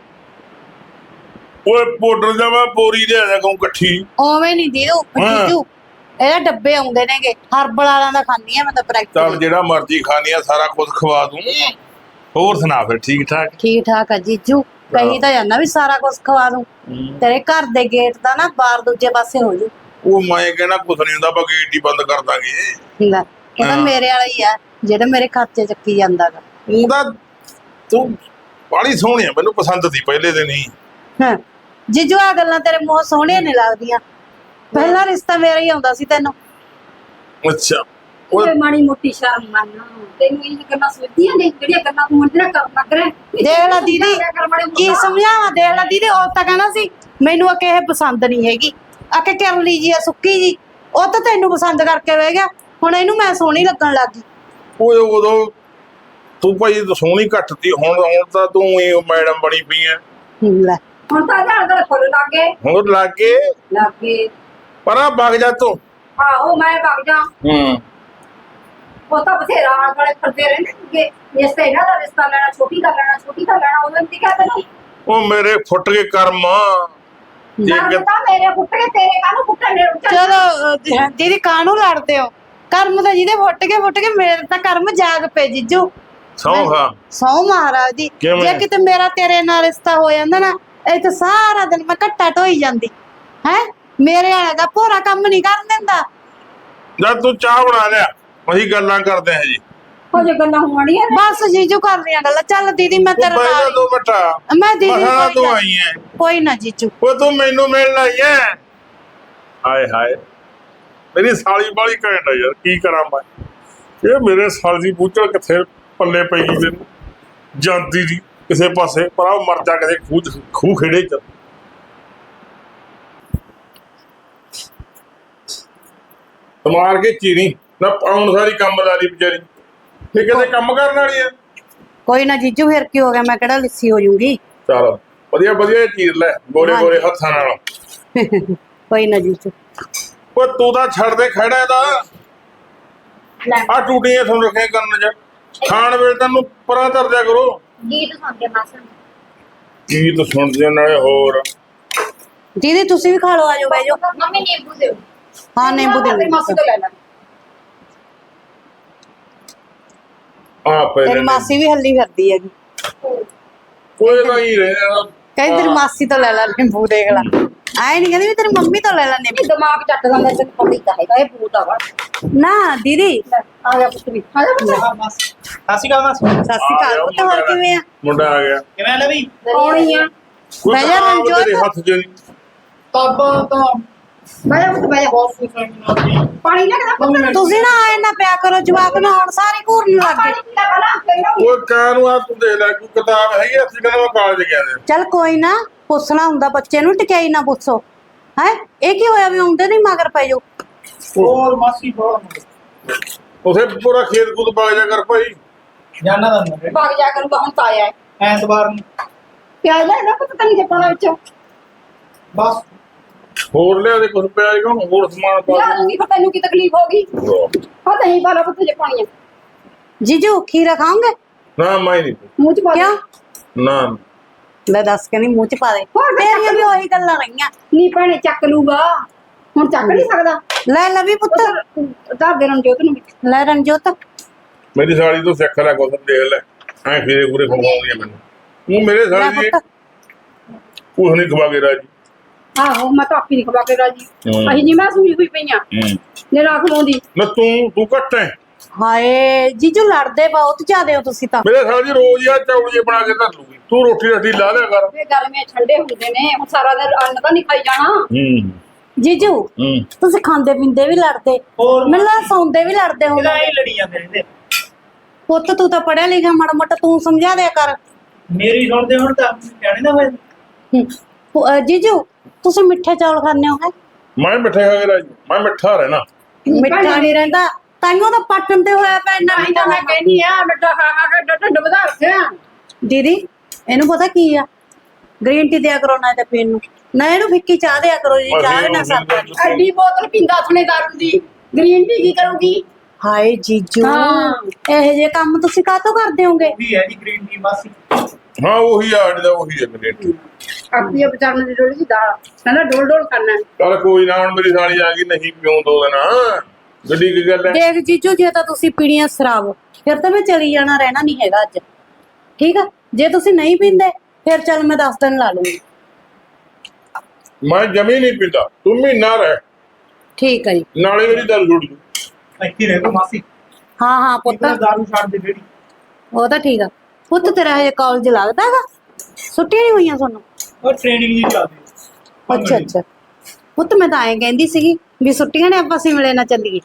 Speaker 2: ਓਏ ਪਾਊਡਰ ਦਾ ਮੈਂ ਬੋਰੀ ਲਿਆ ਜਾ ਕਹੂੰ ਇਕੱਠੀ।
Speaker 6: ਓਵੇਂ ਨਹੀਂ ਦੀਦੂ
Speaker 2: ਹਾਂ।
Speaker 6: ਜੀਜੂ ਇਹਦੇ ਡੱਬੇ ਆਉਂਦੇ ਨੇਗੇ ਹਰਬਲ ਵਾਲਿਆਂ ਦਾ ਖਾਂਦੀ ਆ ਮੈਂ ਤਾਂ
Speaker 2: ਚੱਲ
Speaker 6: ਪ੍ਰੈਕਟਿਸ।
Speaker 2: ਜਿਹੜਾ ਮਰਜ਼ੀ ਖਾਣੀ ਆ ਸਾਰਾ ਕੁਝ ਖਵਾ ਦੂੰ। ਹੋਰ ਸੁਣਾ ਫਿਰ ਠੀਕ ਠਾਕ?
Speaker 6: ਠੀਕ ਠਾਕ ਆ ਜੀਜੂ। ਕਹੀ ਤਾਂ ਜਾਂਦਾ ਵੀ ਸਾਰਾ ਕੁਝ ਖਵਾ ਦੂੰ। ਤੇਰੇ ਘਰ ਦੇ ਗੇਟ ਦਾ ਨਾ ਬਾਰ ਦੂਜੇ ਪਾਸੇ ਹੋ ਜੂ।
Speaker 2: ਉਹ ਮੈਂ ਕਹਿਣਾ ਕੁਛ ਨਹੀਂ ਹੁੰਦਾ, ਆਪਾਂ ਗੇਟ ਹੀ ਬੰਦ ਕਰ ਦਾਂਗੇ।
Speaker 6: ਲੈ ਇਹ ਤਾਂ ਮੇਰੇ ਵਾਲਾ ਹੀ ਆ ਜਿਹੜਾ ਮੇਰੇ ਖਾਤੇ ਚੱਕੀ ਜਾਂਦਾਗਾ।
Speaker 2: ਉਹਦਾ ਤੂੰ ਬੜੀ ਸੋਹਣੀ ਆ, ਮੈਨੂੰ ਪਸੰਦ ਸੀ ਪਹਿਲੇ ਦਿਨ ਹੀ।
Speaker 6: ਹਾਂ ਜੀਜੂ ਆ ਗੱਲਾਂ ਤੇਰੇ ਮੂੰਹ ਸੋਹਣੀਆਂ ਨਹੀਂ ਲੱਗਦੀਆਂ। ਪਹਿਲਾ ਰਿਸ਼ਤਾ ਮੇਰਾ ਹੀ ਆਉਂਦਾ ਸੀ ਤੈਨੂੰ।
Speaker 2: ਅੱਛਾ ਉਹ
Speaker 1: ਓਏ ਮਾੜੀ ਮੋਟੀ ਸ਼ਰਮ ਮੰਨ, ਤੈਨੂੰ ਇਹ ਗੱਲਾਂ ਸੋਚਦੀਆਂ ਨੇ ਜਿਹੜੀਆਂ ਗੱਲਾਂ ਤੂੰ ਮੁੰਡੇ ਨਾਲ ਕਰਨ ਲੱਗ ਰਿਹਾ।
Speaker 6: ਦੇਖ ਲੈ ਦੀਦੀ ਕੀ ਸਮਝਾਵਾਂ, ਦੇਖ ਲੈ ਦੀਦੀ ਉਹ ਤਾਂ ਕਹਿਣਾ ਸੀ ਮੈਨੂੰ ਆ ਕਿਸੇ ਪਸੰਦ ਨਹੀਂ ਹੈਗੀ, ਆ ਕੇ ਕਰ ਲਈ ਜੀ ਆ ਸੁੱਕੀ ਜੀ, ਉਹ ਤਾਂ ਤੈਨੂੰ ਪਸੰਦ ਕਰਕੇ ਬਹਿ ਗਿਆ, ਹੁਣ ਇਹਨੂੰ ਮੈਂ ਸੋਹਣੀ ਲੱਗਣ ਲੱਗ ਗਈ।
Speaker 2: ਓਏ ਉਦੋਂ ਤੂੰ ਭਾਈ ਸੋਹਣੀ ਘੱਟ ਤੀ, ਹੁਣ ਹੁਣ ਤਾਂ ਤੂੰ ਹੀ ਮੈਡਮ ਬਣੀ ਪਈ ਐ।
Speaker 6: ਲੈ
Speaker 1: ਹੁਣ ਤਾਂ ਜਾਣ ਦਾ ਫੁੱਲ ਲੱਗੇ
Speaker 2: ਹੁਣ ਲੱਗੇ
Speaker 1: ਲੱਗੇ
Speaker 2: ਪਰ ਆ ਵਗ ਜਾ ਤੂੰ।
Speaker 1: ਆਹੋ ਮੈਂ ਵਗ ਜਾ,
Speaker 2: ਹੂੰ
Speaker 1: ਉਹ ਤਾਂ ਬਥੇਰਾ ਆਲੇ ਦੁਆਲੇ ਫਿਰਦੇ ਰਹਿੰਦੇ ਕਿ ਇਸ ਤੇ ਇਹਨਾਂ ਦਾ ਰਿਸ਼ਤਾ ਲੈਣਾ, ਛੋਟੀ ਦਾ ਲੈਣਾ, ਛੋਟੀ ਦਾ ਲੈਣਾ। ਉਹਨਾਂ ਨੇ ਕਿਹਾ ਤੈਨੂੰ
Speaker 2: ਉਹ ਮੇਰੇ ਫੁੱਟ ਕੇ ਕਰਮ ਜੇ
Speaker 1: ਕਰਮ ਤਾਂ ਮੇਰੇ ਫੁੱਟ ਕੇ ਤੇਰੇ ਕਾਹਨੂੰ ਫੁੱਟਣ ਨੇ।
Speaker 6: ਚਲੋ ਅਹ ਦੀਦੀ ਕਾਹਨੂੰ ਲੜਦੇ ਹੋ, ਕਰਮ ਤਾਂ ਜਿਹਦੇ ਫੁੱਟ ਕੇ ਫੁੱਟ ਕੇ ਮੇਰੇ ਤਾਂ ਕਰਮ ਜਾਗ ਪਏ ਜੀਜੂ।
Speaker 2: ਸੌਂ ਖਾ
Speaker 6: ਸੌ ਮਹਾਰਾਜ ਦੀ,
Speaker 2: ਕਿਵੇਂ?
Speaker 6: ਜੇ ਕਿਤੇ ਮੇਰਾ ਤੇਰੇ ਨਾਲ ਰਿਸ਼ਤਾ ਹੋ ਜਾਂਦਾ ਨਾ ਇਹ ਤਾਂ ਸਾਰਾ ਦਿਨ ਮੈਂ ਘੱਟਾ ਢੋਈ ਜਾਂਦੀ ਹੈ। ਮੇਰੇ ਵਾਲਾ ਦਾ ਭੋਰਾ ਕੰਮ ਨਹੀਂ ਕਰਨ ਦਿੰਦਾ।
Speaker 2: ਜਦ ਤੂੰ ਚਾਹ ਬਣਾ ਲਿਆ ਅਸੀਂ ਗੱਲਾਂ ਕਰਦੇ ਹਾਂ ਜੀ।
Speaker 1: ਹੋ ਜੇ ਗੱਲਾਂ ਹੋਣੀਆਂ ਨੇ।
Speaker 6: ਬਸ ਜੀਜੂ ਕਰ ਰਹੀਆਂ ਗੱਲਾਂ। ਚੱਲ ਦੀਦੀ ਮੈਂ ਤੇਰੇ
Speaker 2: ਪਹਿਲਾਂ
Speaker 6: ਨਾਲ
Speaker 2: ਦੋ ਮਿੰਟਾ
Speaker 6: ਮੈਂ ਦੀਦੀ
Speaker 2: ਮਹਾਂ
Speaker 6: ਕੋਈ
Speaker 2: ਤੂੰ
Speaker 6: ਨਾ-
Speaker 2: ਆਈ ਐ,
Speaker 6: ਕੋਈ ਨਾ ਜੀਜੂ।
Speaker 2: ਉਹ ਤੂੰ ਮੈਨੂੰ ਮਿਲਣ ਆਈ ਐ। ਹਾਏ ਹਾਏ ਮੇਰੀ ਸਾਲੀ ਬਾਲੀ ਘੈਂਟ ਆ ਯਾਰ, ਕੀ ਕਰਾਂ ਮੈਂ। ਇਹ ਮੇਰੇ ਸਾਲ ਦੀ ਬੂਚੜ ਕਿੱਥੇ ਪੱਲੇ ਪਈ ਗਈ ਮੈਨੂੰ, ਜਾਂਦੀ ਦੀ ਕਿਸੇ ਪਾਸੇ, ਪਰ ਆ ਮਰ ਜਾ ਕਿਸੇ ਖੂਹ ਚ- ਖੂਹ ਖੇੜੇ ਚ। ਮਾਰ ਕੇ ਚੀਰੀ ਨਾ ਆਉਣ ਸਾਰੀ ਕੰਮ ਲਾ ਲਈ ਵਿਚਾਰੀ। ਇਹ ਕਿਤੇ ਕੰਮ ਕਰਨ ਵਾਲੀ ਆ।
Speaker 6: ਕੋਈ ਨਾ ਜੀਜੂ ਫਿਰ ਕੀ ਹੋ ਗਿਆ, ਮੈਂ ਕਿਹੜਾ ਲਿੱਸੀ ਹੋ ਜੂੰਗੀ।
Speaker 2: ਚਲ ਵਧੀਆ ਵਧੀਆ ਚੀਰ ਲੈ ਗੋਰੇ ਗੋਰੇ ਹੱਥਾਂ ਨਾਲ।
Speaker 6: ਕੋਈ ਨਾ ਜੀਜੂ।
Speaker 2: ਉਹ ਤੂੰ ਤਾਂ ਛੱਡ ਦੇ ਖੜਾ ਦਾ ਆ ਟੂਟੀਆਂ ਤੁਹਾਨੂੰ ਰੱਖੇ ਕਰਨ ਚ ਖਾਣ ਵੇਲੇ ਤੈਨੂੰ ਪਰਾਂ ਧਰ ਦਿਆ ਕਰੋ।
Speaker 5: ਗੀਤ ਸੁਣਦੇ ਮਾਸਾ
Speaker 2: ਗੀਤ ਸੁਣਦੇ ਨਾਲੇ ਹੋਰ।
Speaker 6: ਦੀਦੀ ਤੁਸੀਂ ਵੀ ਖਾ ਲਓ, ਆਜੋ ਬਹਿ ਜਾਓ।
Speaker 5: ਮੰਮੀ ਨਿੰਬੂ ਦਿਓ।
Speaker 6: ਹਾਂ ਨਿੰਬੂ ਦੇ
Speaker 1: ਮਾਸੀ ਤੋਂ ਲੈ ਲੈ।
Speaker 2: ਆ
Speaker 6: ਤੇਰੀ
Speaker 2: ਪਹਿਲੇ
Speaker 6: ਮਾਸੀ ਵੀ ਹੱਲੀ ਫਿਰਦੀ ਹੈਗੀ।
Speaker 2: ਕੋਈ ਤਾਂ ਹੀ ਰਹਿਣਾ।
Speaker 6: ਕਹਿੰਦੀ ਤੇਰੀ ਮਾਸੀ ਤੋਂ ਲੈ ਲੈ ਨਿੰਬੂ, ਦੇਖ ਲੈ। ਆਏ ਨਹੀਂ ਕਹਿੰਦੀ ਵੀ ਤੇਰੀ ਮੰਮੀ ਤੋਂ ਲੈ ਲੈ ਨਿੰਬੂ।
Speaker 1: ਇਹ ਦਿਮਾਗ ਚੱਟ ਜਾਂਦਾ ਤੈਨੂੰ ਪਤਾ ਹੀ ਤਾਂ ਹੈਗਾ ਇਹ ਭੂਤ ਆ ਵਾ।
Speaker 6: ਨਾ ਦੀਦੀ
Speaker 1: ਆ ਜਾ ਪੁੱਤ ਵੀ ਆ ਜਾ ਪੁੱਤ।
Speaker 3: ਸਤਿ ਸ਼੍ਰੀ ਅਕਾਲ ਮਾਸੀ।
Speaker 6: ਸਤਿ ਸ਼੍ਰੀ ਅਕਾਲ ਪੁੱਤ, ਹੋਰ ਕਿਵੇਂ ਆ?
Speaker 2: ਮੁੰਡਾ ਆ ਗਿਆ।
Speaker 3: ਕਿਵੇਂ ਲੈ ਵੀ
Speaker 1: ਆਉਣੀ ਆ।
Speaker 2: ਕੋਈ
Speaker 6: ਬਹਿ ਜਾ
Speaker 2: ਤਾਂ
Speaker 6: ਰਣਜੋਤ।
Speaker 2: ਤੇਰੇ ਹੱਥ ਚ
Speaker 3: ਤਾਬਾ ਤਾਂ
Speaker 1: ਬਹਿ ਜਾ ਪੁੱਤ ਬਹਿ ਜਾ।
Speaker 3: ਬਹੁਤ ਖੁਸ਼ ਹਾਂ।
Speaker 1: ਪਾਣੀ ਲੈ ਕੇ ਦਾ ਪੁੱਤ।
Speaker 6: ਤੁਸੀਂ ਨਾ ਆਏ ਨਾ ਪਿਆ ਕਰੋ, ਜਵਾਕ ਨਾ ਹੁਣ ਸਾਰੇ ਘੂਰ ਨੂੰ ਲੱਗ
Speaker 1: ਪਾਣੀ
Speaker 6: ਗਏ।
Speaker 1: ਪੀ ਲੈ ਪਹਿਲਾਂ ਫਿਰ ਆਉਂਗੀ।
Speaker 2: ਉਹ ਕਾਨੂੰ ਆ ਤੂੰ ਦੇਖ ਲੈ ਕੋਈ ਕਿਤਾਬ ਹੈਗੀ ਆ, ਅਸੀਂ ਕਹਿੰਦਾ ਮੈਂ ਕਾਲਜ ਗਿਆ ਦੇ।
Speaker 6: ਚੱਲ ਕੋਈ ਨਾ, ਪੁੱਛਣਾ ਹੁੰਦਾ ਬੱਚੇ ਨੂੰ, ਟਿਕਾਈ ਨਾ ਪੁੱਛੋ। ਹੈ ਇਹ ਕੀ ਹੋਇਆ ਵੀ ਆਉਂਦੇ ਨਹੀਂ ਮਗਰ ਪੈ ਜਾਓ।
Speaker 3: ਹੋਰ ਮਾਸੀ ਬਹੁਤ
Speaker 2: ਉਥੇ ਪੂਰਾ ਖੇਤ ਖੂਤ ਪਾ ਜਾ ਕਰ ਭਾਈ।
Speaker 3: ਜਾਣਾ ਦਾ ਮੈਂ
Speaker 1: ਭਾਗ ਜਾ ਕਰੂਗਾ ਹੁਣ ਤਾਂ ਆਇਆ ਹੈ।
Speaker 3: ਐਤਵਾਰ ਨੂੰ
Speaker 1: ਪਿਆਜ਼ ਲੈ ਲੈ ਪੁੱਤ ਤੈਨੂੰ ਪਾਉਣਾ ਵਿੱਚ।
Speaker 3: ਬਸ
Speaker 2: ਹੋਰ ਲਿਆ ਦੇ ਕੁਝ ਪਿਆ ਜੀ, ਹੋਰ ਸਮਾਨ ਪਾ
Speaker 1: ਲਿਆ ਦੂੰਗੀ ਫਿਰ ਤੈਨੂੰ ਕੀ ਤਕਲੀਫ ਹੋਗੀ। ਹਾਂ ਨਹੀਂ ਪਾ ਲੈ ਪੁੱਤ ਜੇ ਪਾਣੀ ਆ।
Speaker 6: ਜੀਜੂ ਖੀਰਾ ਖਾਓਗੇ?
Speaker 2: ਨਾ ਮੈਂ ਨਹੀਂ
Speaker 1: ਮੂੰਹ ਚ ਪਾ ਦੇ।
Speaker 6: ਕਿਉਂ?
Speaker 2: ਨਾ
Speaker 6: ਲੈ ਦੱਸ ਕੇ ਨਹੀਂ ਮੂੰਹ ਚ ਪਾ ਦੇ।
Speaker 1: ਹੋਰ ਫਿਰ
Speaker 6: ਤੇਰੀਆਂ ਵੀ ਉਹੀ ਗੱਲਾਂ ਰਹੀਆਂ।
Speaker 1: ਨਹੀਂ ਭੈਣੇ ਚੱਕ ਲੂਗਾ ਹੁਣ, ਚੱਕ ਨਹੀਂ ਸਕਦਾ।
Speaker 6: ਲੈ ਲਵੀ ਪੁੱਤ,
Speaker 1: ਧਰ ਦੇ ਰਣਜੋਤ ਨੂੰ ਵੀ।
Speaker 6: ਲੈ ਰਣਜੋਤ।
Speaker 2: ਮੇਰੀ ਸਾਲੀ ਤੋਂ ਸਿੱਖ ਲੈ ਕੁਝ, ਦੇਖ ਲੈ ਐ ਫੇਰੇ ਪੂਰੇ ਖਵਾਉਂਦੀ ਆ ਮੈਨੂੰ। ਉਹ ਮੇਰੇ
Speaker 6: ਲੈ
Speaker 2: ਸਾਲੀ ਦੀ
Speaker 6: ਪੁੱਤ।
Speaker 2: ਕੁਛ ਨਹੀਂ ਖਵਾ ਕੇ ਰਾਜੀ।
Speaker 1: ਆਹੋ ਮੈਂ ਤਾਂ ਆਪੀ ਨਹੀਂ ਖਵਾ ਕੇ ਰਾਜੀ।
Speaker 2: ਹੂੰ।
Speaker 1: ਅਸੀਂ ਨਹੀਂ ਮੈਂ ਸੂਈ ਹੋਈ ਪਈਆਂ
Speaker 2: ਹੂੰ
Speaker 1: ਨੇ ਨਾ ਖਵਾਉਂਦੀ।
Speaker 2: ਨਾ ਤੂੰ ਤੂੰ ਘੱਟ ਹੈ।
Speaker 6: ਹਾਏ ਜੀਜੂ ਲੜਦੇ ਬਹੁਤ ਜ਼ਿਆਦੇ ਹੋ ਤੁਸੀਂ ਤਾਂ।
Speaker 2: ਮੇਰੇ ਸਾਲੀ ਰੋਜ਼ ਆ ਚੌਲੀਏ ਬਣਾ ਕੇ ਧਰ ਲੂਗੀ। ਤੂੰ ਰੋਟੀ ਰੱਟੀ ਲਾ ਲਿਆ ਕਰ।
Speaker 1: ਇਹ ਗਰਮੀਆਂ ਠੰਡੇ ਹੁੰਦੇ ਨੇ, ਹੁਣ ਸਾਰਾ ਦਿਨ ਅੰਨ ਤਾਂ ਨਹੀਂ ਖਾਈ ਜਾਣਾ।
Speaker 2: ਹੂੰ
Speaker 6: ਜੀਜੂ
Speaker 2: ਹੂੰ
Speaker 6: ਤੁਸੀਂ ਖਾਂਦੇ ਪੀਂਦੇ ਵੀ ਲੜਦੇ,
Speaker 3: ਹੋਰ
Speaker 6: ਮੈਨੂੰ ਲੱਗਦਾ ਸੌਂਦੇ ਵੀ ਲੜਦੇ
Speaker 3: ਇਹਦਾ
Speaker 6: ਹੋਗੇ।
Speaker 3: ਹੀ ਲੜੀ ਜਾਂਦੇ ਰਹਿੰਦੇ।
Speaker 6: ਪੁੱਤ ਤੂੰ ਤਾਂ ਪੜਿਆ ਲਿਖਿਆ, ਮਾੜਾ ਮੋਟਾ ਤੂੰ ਸਮਝਾ ਦਿਆ ਕਰ।
Speaker 3: ਮੇਰੀ ਸੁਣਦੇ ਹੁਣ ਤਾਂ ਕਹਿਣੇ ਨਾ ਹੋਏ।
Speaker 6: ਹੂੰ। ਪੁ- ਅਹ ਜੀਜੂ ਤੁਸੀਂ ਮਿੱਠੇ ਚੌਲ ਖਾਂਦੇ ਹੋ ਹੈ?
Speaker 2: ਮੈਂ ਮਿੱਠੇ ਖਾ ਕੇ ਰਾਜੀ, ਮੈਂ ਮਿੱਠਾ ਰਹਿਣਾ।
Speaker 6: ਮਿੱਠਾ ਨਹੀਂ ਰਹਿੰਦਾ ਤਾਈਓ ਤਾਂ ਪੱਟਣ ਤੇ ਹੋਇਆ ਪਿਆ ਇੰਨਾ
Speaker 1: ਨਹੀਂ ਤਾਂ ਮੈਂ
Speaker 6: ਮਿੱਠਾ।
Speaker 1: ਕਹਿੰਦੀ ਆ ਮਿੱਠਾ ਖਾ ਖਾ ਕੇ ਢਿੱਡ ਵਧਾ ਰੱਖਿਆ।
Speaker 6: ਦੀਦੀ ਇਹਨੂੰ ਪਤਾ ਕੀ ਆ, ਗ੍ਰੀਨ ਟੀ ਦਿਆ ਕਰੋ ਨਾ ਤੇ ਪੀਣ ਨੂੰ, ਨਾ ਇਹਨੂੰ ਫਿੱਕੀ ਚਾਹ ਦਿਆ ਕਰੋ ਜੀ, ਚਾਹ ਵੀ ਨਾ ਸਰਦਾ ਨੀ।
Speaker 1: ਐਡੀ ਬੋਤਲ ਪੀਂਦਾ ਥਣੇ ਦਾਰੂ ਦੀ, ਗ੍ਰੀਨ ਟੀ ਕੀ ਕਰੂਗੀ।
Speaker 6: ਹਾਏ ਜੀਜੂ
Speaker 1: ਹਾਂ।
Speaker 6: ਇਹੋ ਜਿਹੇ ਕੰਮ ਤੁਸੀਂ ਕਾਹਤੋਂ ਕਰਦੇ ਹੋਗੇ?
Speaker 3: ਉਹੀ ਹੈ ਜੀ ਗ੍ਰੀਨ ਟੀ ਮਾਸੀ।
Speaker 2: ਹਾਂ ਉਹੀ ਆ ਅੱਡ ਦਾ ਉਹੀ ਹੈ ਮੇਰੇ।
Speaker 1: ਆਪਣੀ ਵਿਚਾਰਨ ਦੀ ਡੋਲੀ ਦੀ ਦਾਲ ਕਹਿੰਦਾ ਡੋਲ ਡੋਲ ਕਰਨਾ।
Speaker 2: ਚੱਲ ਕੋਈ ਨਾ, ਹੁਣ ਮੇਰੀ ਸਾਲੀ ਆ ਗਈ, ਨਹੀਂ ਪਿਉਂ ਦੋ ਦਿਨ ਗੱਡੀ ਕੀ ਗੱਲ ਹੈ।
Speaker 6: ਦੇਖ ਜੀਜੂ ਜੇ ਤਾਂ ਤੁਸੀਂ ਪੀਣੀਆਂ ਸ਼ਰਾਬ, ਫਿਰ ਤਾਂ ਮੈਂ ਚਲੀ ਜਾਣਾ, ਰਹਿਣਾ ਨਹੀਂ ਹੈਗਾ ਅੱਜ, ਠੀਕ ਆ। ਜੇ ਤੁਸੀਂ ਨਹੀਂ ਪੀਂਦੇ ਫਿਰ ਚੱਲ ਮੈਂ ਦਸ ਦਿਨ ਲਾ ਲੂੰਗੀ।
Speaker 2: ਮੈਂ ਜਮੀ ਨਹੀਂ ਪੀਂਦਾ, ਤੂੰ ਮਹੀਨਾ ਰਹਿ।
Speaker 6: ਠੀਕ ਹੈ ਜੀ।
Speaker 2: ਨਾਲੇ ਮੇਰੀ ਦਾਰੂ ਛੁੱਟ ਜੂ।
Speaker 3: ਇੱਥੇ ਰਹਿ ਗੋ ਮਾਸੀ
Speaker 6: ਹਾਂ ਹਾਂ ਪੁੱਤ
Speaker 3: ਪੁੱਤ ਦਾਰੂ ਛੱਡ ਦੇ ਜਿਹੜੀ
Speaker 6: ਉਹ ਤਾਂ ਠੀਕ ਆ। ਪੁੱਤ ਤੇਰਾ ਹਜੇ ਕਾਲਜ ਲੱਗਦਾ ਹੈਗਾ? ਛੁੱਟੀਆਂ ਨਹੀਂ ਹੋਈਆਂ ਤੁਹਾਨੂੰ?
Speaker 3: ਉਹ ਟ੍ਰੇਨਿੰਗ ਜੀ ਚੱਲਦੀ
Speaker 6: ਅੱਛਾ ਅੱਛਾ ਪੁੱਤ ਮੈਂ ਤਾਂ ਐਂ ਕਹਿੰਦੀ ਸੀਗੀ ਵੀ ਛੁੱਟੀਆਂ ਨੇ ਆਪਾਂ ਸਿਮਲੇ ਨਾ ਚੱਲੀਏ।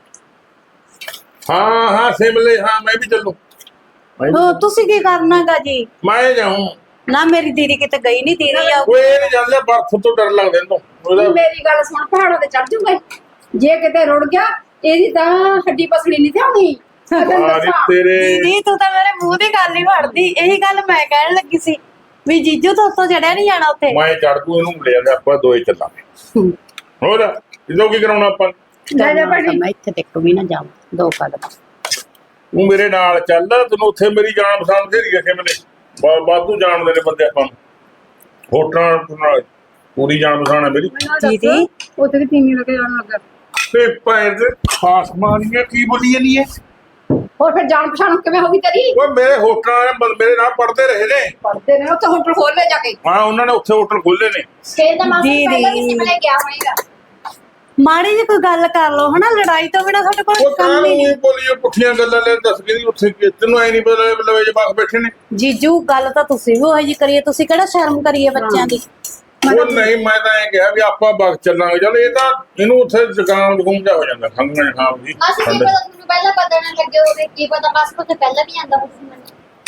Speaker 2: ਹਾਂ ਹਾਂ ਸਿਮਲੇ, ਹਾਂ ਮੈਂ ਵੀ ਚੱਲੂ। ਮੈਂ ਵੀ-
Speaker 6: ਉਹ ਤੁਸੀਂ ਕੀ ਕਰਨਾਗਾ ਜੀ?
Speaker 2: ਮੈਂ ਜਾਊਂ।
Speaker 6: ਨਾ ਮੇਰੀ ਦੀਦੀ ਕਿਤੇ ਗਈ ਨਹੀਂ, ਦੀਦੀ ਆ।
Speaker 2: ਓਏ ਇਹ ਨਹੀਂ ਜਾਂਦੇ, ਬਰਫ਼ ਤੋਂ ਡਰ ਲੱਗਦਾ ਇਹਨੂੰ। ਉਹਦਾ
Speaker 1: ਮੇਰੀ ਗੱਲ ਸੁਣ, ਪਹਾੜਾਂ ਤੇ ਚੜ ਜੂਗੇ ਜੇ ਕਿਤੇ ਰੁੜ ਗਿਆ ਇਹਦੀ ਤਾਂ ਹੱਡੀ ਪਸੜੀ ਨਹੀਂ ਥਿਆਉਣੀ।
Speaker 2: ਆਰੀ ਤੇਰੇ
Speaker 6: ਦੀਦੀ ਤੂੰ ਤਾਂ ਮੇਰੇ ਮੂੰਹ ਦੀ ਗੱਲ ਹੀ ਫੜਦੀ। ਇਹੀ ਗੱਲ ਮੈਂ ਕਹਿਣ ਲੱਗੀ ਸੀ ਵੀ ਜੀਜੂ ਤੋਂ ਉੱਤੋਂ ਚੜਿਆ ਨਹੀਂ ਜਾਣਾ ਉੱਥੇ।
Speaker 2: ਮੈਂ ਚੜ ਦੂ, ਇਹਨੂੰ ਲੈ ਜਾਂਦੇ, ਆਪਾਂ ਦੋਏ ਚੱਲਾਂਗੇ। ਹੋਰ ਇਹਦੋਂ ਕੀ ਕਰਾਉਣਾ ਆਪਾਂ?
Speaker 1: ਲੈ ਜਾ ਭਾਜੀ।
Speaker 6: ਮੈਂ ਇੱਥੇ ਤੱਕ ਵੀ ਨਾ ਜਾਵਾਂ ਦੋ ਕਦਮ।
Speaker 2: ਤੂੰ ਮੇਰੇ ਨਾਲ ਚੱਲ, ਤੈਨੂੰ ਉੱਥੇ ਮੇਰੀ ਜਾਣ ਪਛਾਣ ਤੇਰੀ ਹੈ ਮਿਲੇ। ਵਾਧੂ ਜਾਣਦੇ ਨੇ ਬੰਦੇ ਆਪਾਂ ਨੂੰ, ਹੋਟਲਾਂ ਨਾਲ ਪੂਰੀ ਜਾਣ ਪਛਾਣ ਹੈ ਮੇਰੀ।
Speaker 6: ਦੀਦੀ
Speaker 1: ਉੱਥੇ ਵੀ ਤੀਵੀਂ ਲੱਗੇ ਜਾਣ ਲੱਗਾ।
Speaker 2: ਤੇ ਭੈਣ ਦੇ ਖਾਸ ਮਾਨੀਆਂ ਕੀ ਬੋਲੀ ਜਾਨੀ ਹੈ?
Speaker 1: ਹੋਰ ਫਿਰ ਜਾਣ ਪਛਾਣ ਕਿਵੇਂ ਹੋਗੀ ਤੇਰੀ?
Speaker 2: ਓਏ ਮੇਰੇ ਹੋਟਲਾਂ ਵਾਲੇ ਬੰਦੇ ਮੇਰੇ ਨਾਲ ਪੜਦੇ ਰਹੇ ਨੇ।
Speaker 1: ਪੜਦੇ ਨੇ ਉੱਥੇ ਹੋਟਲ ਖੋਲ ਲੈ ਜਾ ਕੇ।
Speaker 2: ਹਾਂ ਉਹਨਾਂ ਨੇ ਉੱਥੇ ਹੋਟਲ ਖੋਲੇ ਨੇ।
Speaker 5: ਫੇਰ ਤਾਂ ਮਾਸੀ
Speaker 6: ਦੀਦੀ।
Speaker 5: ਪਹਿਲਾਂ ਵੀ ਸਿਮਲੇ ਗਿਆ ਹੋਏਗਾ।
Speaker 6: ਮਾੜੀ ਜਿਹੀ ਕੋਈ ਗੱਲ ਕਰ ਲਓ ਹਨਾ, ਲੜਾਈ ਤੋਂ ਬਿਨਾ ਸਾਡੇ ਕੋਲ
Speaker 2: ਉਹ
Speaker 6: ਕੰਮ ਹੀ ਨਹੀਂ।
Speaker 2: ਕਾਹਨੂੰ ਬੋਲੀਏ ਪੁੱਠੀਆਂ ਗੱਲਾਂ ਲੈ ਦੱਸ ਕੇ ਉੱਥੇ ਕੀ- ਤੈਨੂੰ ਐ ਨਹੀਂ ਪਤਾ ਲਵੇ ਜੇ ਬਾਕ ਬੈਠੇ ਨੇ।
Speaker 6: ਜੀਜੂ ਗੱਲ ਤਾਂ ਤੁਸੀਂ ਵੀ ਉਹੀ ਜੀ ਕਰੀਏ, ਤੁਸੀਂ ਕਿਹੜਾ ਸ਼ਰਮ ਕਰੀਏ ਬੱਚਿਆਂ ਦੀ।
Speaker 2: ਉਹ ਨਹੀਂ, ਮੈਂ ਤਾਂ ਇਹ ਕਿਹਾ ਵੀ ਆਪਾਂ ਬਾਗ ਚੱਲਾਂਗੇ। ਚੱਲ ਇਹ ਤਾਂ ਇਹਨੂੰ ਉੱਥੇ ਜ਼ੁਕਾਮ ਜ਼ੁਕੂਮ ਜਿਹਾ ਹੋ ਜਾਂਦਾ, ਖੰਘ ਜ਼ੁਕਾਮ ਜੀ।
Speaker 5: ਮਾਸੀ ਕੀ ਪਤਾ ਤੁਹਾਨੂੰ ਪਹਿਲਾਂ ਪਤਾ ਨਾ ਲੱਗੇ ਹੋਵੇ, ਕੀ ਪਤਾ ਬਸ ਕੁਝ ਪਹਿਲਾਂ ਵੀ ਆਂਦਾ ਹੋਵੇ ਮੈਨੂੰ।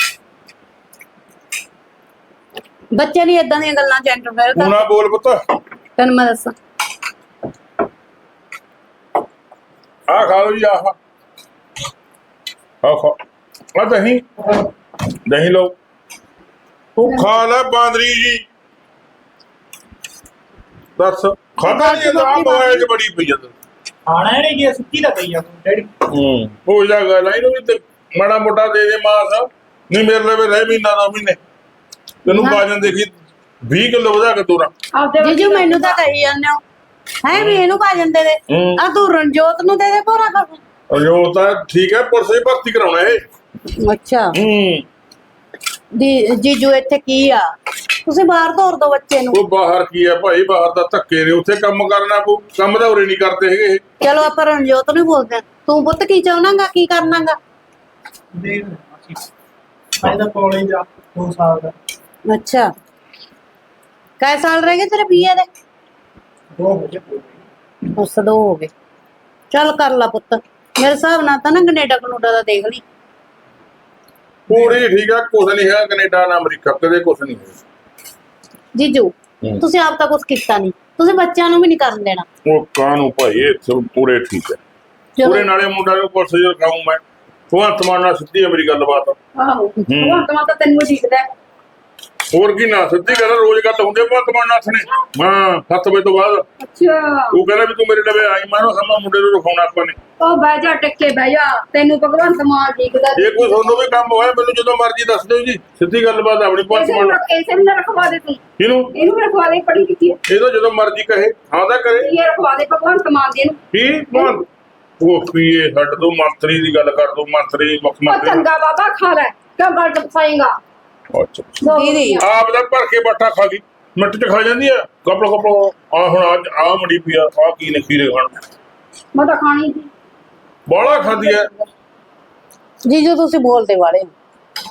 Speaker 6: ਬੱਚੇ ਨਹੀਂ ਇਦਾਂ ਦੀਆਂ ਗੱਲਾਂ ਚ ਇੰਟਰਫੇਅਰ
Speaker 2: ਤੂੰ
Speaker 6: ਕਰ।
Speaker 2: ਨਾ ਬੋਲ ਪੁੱਤ।
Speaker 6: ਤੈਨੂੰ ਮੈਂ ਦੱਸਾਂ
Speaker 2: ਆ ਖਾ ਲਓ ਜੀ, ਆਹ ਆ ਖਾ ਆ ਦਹੀਂ ਦਹੀਂ ਲਓ। ਤੂੰ ਖਾ ਲੈ ਬਾਂਦਰੀ ਜੀ। ਦੱਸ ਖਾਦਾ ਨਹੀਂ ਜਾਂਦਾ? ਆ ਮੋਬਾਈਲ 'ਚ ਬੜੀ ਪਈ ਜਾਂਦਾ।
Speaker 3: ਖਾਣਾ ਨਹੀਂ ਗਿਆ ਸੁੱਕੀ ਦਾ ਪਈ ਆ ਡੈਡੀ।
Speaker 2: ਹੂੰ ਹੋ ਜਾ ਗੱਲ ਇਹਨੂੰ ਵੀ ਤੇ ਮਾੜਾ ਮੋਟਾ ਦੇ ਦੇ ਮਾਸ। ਨਹੀਂ ਮੇਰੇ ਲਈ ਰਹਿ ਮਹੀਨਾ ਦੋ ਮਹੀਨੇ ਤੈਨੂੰ ਬਾਜਨ ਦੇਖੀ ਵੀਹ ਕਿਲੋ ਵਧਾ ਕੇ ਤੋਰਾ।
Speaker 6: ਜੀਜੂ ਮੈਨੂੰ ਤਾਂ ਕਹੀ ਜਾਂਦੇ ਹੋ ਹੈ ਵੀ ਇਹਨੂੰ ਪਾ ਜਾਂਦੇ ਦੇ।
Speaker 2: ਹੂੰ
Speaker 6: ਆ ਤੂੰ ਰਣਜੋਤ ਨੂੰ ਦੇ ਦੇ ਭੋਰਾ ਕਰ।
Speaker 2: ਉਹ ਤਾਂ ਠੀਕ ਹੈ, ਪੁਲਿਸ ਦੀ ਭਰਤੀ ਕਰਾਉਣਾ ਇਹ।
Speaker 6: ਅੱਛਾ
Speaker 2: ਹੂੰ
Speaker 6: ਦੀ ਜੀਜੂ ਇੱਥੇ ਕੀ ਆ? ਤੁਸੀਂ ਬਾਹਰ ਤੋਰ ਦੋ ਬੱਚੇ ਨੂੰ।
Speaker 2: ਉਹ ਬਾਹਰ ਕੀ ਹੈ ਭਾਈ, ਬਾਹਰ ਦਾ ਧੱਕੇ ਨੇ। ਉੱਥੇ ਕੰਮ ਕਰਨਾ ਪਊ, ਕੰਮ ਤਾਂ ਉਰੇ ਨਹੀਂ ਕਰਦੇ ਹੈਗੇ ਇਹ।
Speaker 6: ਚਲੋ ਆਪਾਂ ਰਣਜੋਤ ਨੂੰ ਬੋਲਦੇ ਹਾਂ। ਤੂੰ ਪੁੱਤ ਕੀ ਚਾਹਣਾਗਾ, ਕੀ ਕਰਨਾਗਾ?
Speaker 3: ਦੇਖ ਲੈ ਮਾਸੀ ਮੈਂ ਤਾਂ ਕਾਲਜ ਜਾ ਦੋ ਸਾਲ ਦਾ
Speaker 6: ਅੱਛਾ ਕੈ ਸਾਲ ਰਹਿ ਗਏ ਤੇਰੇ ਬੀਏ ਦੇ?
Speaker 3: ਦੋ ਹੋ ਗਏ ਪੂਰੇ।
Speaker 6: ਉਸ ਦੋ ਹੋ ਗਏ। ਚੱਲ ਕਰ ਲਾ ਪੁੱਤ, ਮੇਰੇ ਹਿਸਾਬ ਨਾਲ ਤਾਂ ਨਾ ਕੈਨੇਡਾ ਕਨੂਡਾ ਦਾ ਦੇਖ ਲਈ।
Speaker 2: ਪੂਰੀ ਠੀਕ ਹੈ, ਕੁਛ ਨਹੀਂ ਹੈ ਕੈਨੇਡਾ ਨਾ ਅਮਰੀਕਾ, ਕਦੇ ਕੁਛ ਨਹੀਂ ਹੈ।
Speaker 6: ਜੀਜੂ
Speaker 2: ਹੂੰ।
Speaker 6: ਤੁਸੀਂ ਆਪ ਤਾਂ ਕੁਝ ਕੀਤਾ ਨਹੀਂ, ਤੁਸੀਂ ਬੱਚਿਆਂ ਨੂੰ ਵੀ ਨਹੀਂ ਕਰਨ ਦੇਣਾ।
Speaker 2: ਉਹ ਕਾਹਨੂੰ ਭਾਈ, ਇਹ ਸਭ ਪੂਰੇ ਠੀਕ ਹੈ।
Speaker 6: ਚਲੋ।
Speaker 2: ਪੂਰੇ ਨਾਲੇ ਮੁੰਡਾ ਨੂੰ ਪੁਲਿਸ ਚ ਰਖਾਊਂ ਮੈਂ। ਭਗਵੰਤ ਮਾਨ ਨਾਲ ਸਿੱਧੀ ਹੈ ਮੇਰੀ ਗੱਲਬਾਤ।
Speaker 1: ਆਹੋ ਭਗਵੰਤ ਮਾਨ ਤਾਂ ਤੈਨੂੰ ਠੀਕਦਾ।
Speaker 2: ਹੋਰ ਕੀ ਨਾ ਸਿੱਧੀ ਗੱਲ, ਰੋਜ਼ ਗੱਲ ਹੁੰਦੀ ਹੈ ਭਗਵੰਤ ਮਾਨ ਨਾਲ ਨੇ। ਹਾਂ ਸੱਤ ਵਜੇ ਤੋਂ ਬਾਅਦ
Speaker 1: ਅੱਛਾ
Speaker 2: ਉਹ ਕਹਿੰਦਾ ਵੀ ਤੂੰ ਮੇਰੇ ਲਵੇ ਆਈ, ਮਾਨੋ ਸਮਾਂ ਮੁੰਡੇ ਨੂੰ ਰਖਾਉਣਾ ਆਪਾਂ ਨੇ।
Speaker 1: ਉਹ ਬਹਿ ਜਾ ਟਿੱਕੇ ਬਹਿ ਜਾ, ਤੈਨੂੰ ਭਗਵੰਤ ਮਾਨ ਠੀਕਦਾ।
Speaker 2: ਜੇ ਕੋਈ ਤੁਹਾਨੂੰ ਵੀ ਕੰਮ ਹੋਇਆ ਮੈਨੂੰ ਜਦੋਂ ਮਰਜ਼ੀ ਦੱਸ ਦਿਓ ਜੀ। ਸਿੱਧੀ ਗੱਲਬਾਤ ਆਪਣੀ ਭਗਵੰਤ
Speaker 1: ਇਸੇ
Speaker 2: ਮਾਨ
Speaker 1: ਨੂੰ
Speaker 2: ਨਾਲ।
Speaker 1: ਇਸੇ ਨੂੰ ਰਖਵਾ ਦੇ ਤੂੰ,
Speaker 2: ਇਹਨੂੰ
Speaker 1: ਇਹਨੂੰ ਵੀ ਰਖਵਾ ਦੇ। ਪੜੀ ਕੀਤੀ ਹੈ
Speaker 2: ਇਹ ਤਾਂ ਜਦੋਂ ਮਰਜ਼ੀ ਕਹੇ ਹਾਂ ਤਾਂ ਕਰੇ।
Speaker 1: ਇਹ ਰਖਵਾ ਦੇ ਭਗਵੰਤ ਮਾਨ ਦੀ ਨੂੰ।
Speaker 2: ਕੀ ਬੋਲ ਉਹ ਪੀਏ ਛੱਡ ਦੋ, ਮੰਤਰੀ ਦੀ ਗੱਲ ਕਰ ਦੋ। ਮੰਤਰੀ ਮੁੱਖ
Speaker 1: ਉਹ
Speaker 2: ਮੰਤਰੀ
Speaker 1: ਚੰਗਾ ਬਾਬਾ ਖਾ ਲੈ, ਕਿਉਂ ਗੱਲ ਟਪਸਾਏਗਾ?
Speaker 2: ਅੱਛਾ
Speaker 6: ਦੀਦੀ
Speaker 2: ਆਪ ਦਾ ਭਰ ਕੇ ਬਾਟਾ ਖਾ ਗਈ, ਮਿੰਟ ਚ ਖਾ ਜਾਂਦੀ ਆ। ਕਪੜਾ ਕਪੜਾ ਆ ਹੁਣ ਅੱਜ ਆ ਮੜੀ ਪਈ ਆ, ਆ ਕੀ ਨੇ ਖੀਰੇ ਖਾਣ
Speaker 1: ਮੈਂ ਤਾਂ ਖਾਣੀ ਸੀ।
Speaker 2: ਬਾਲਾ ਖਾਂਦੀ ਐ।
Speaker 6: ਜੀਜੂ ਤੁਸੀਂ ਬੋਲਦੇ ਵਾਲੇ ਹੋ।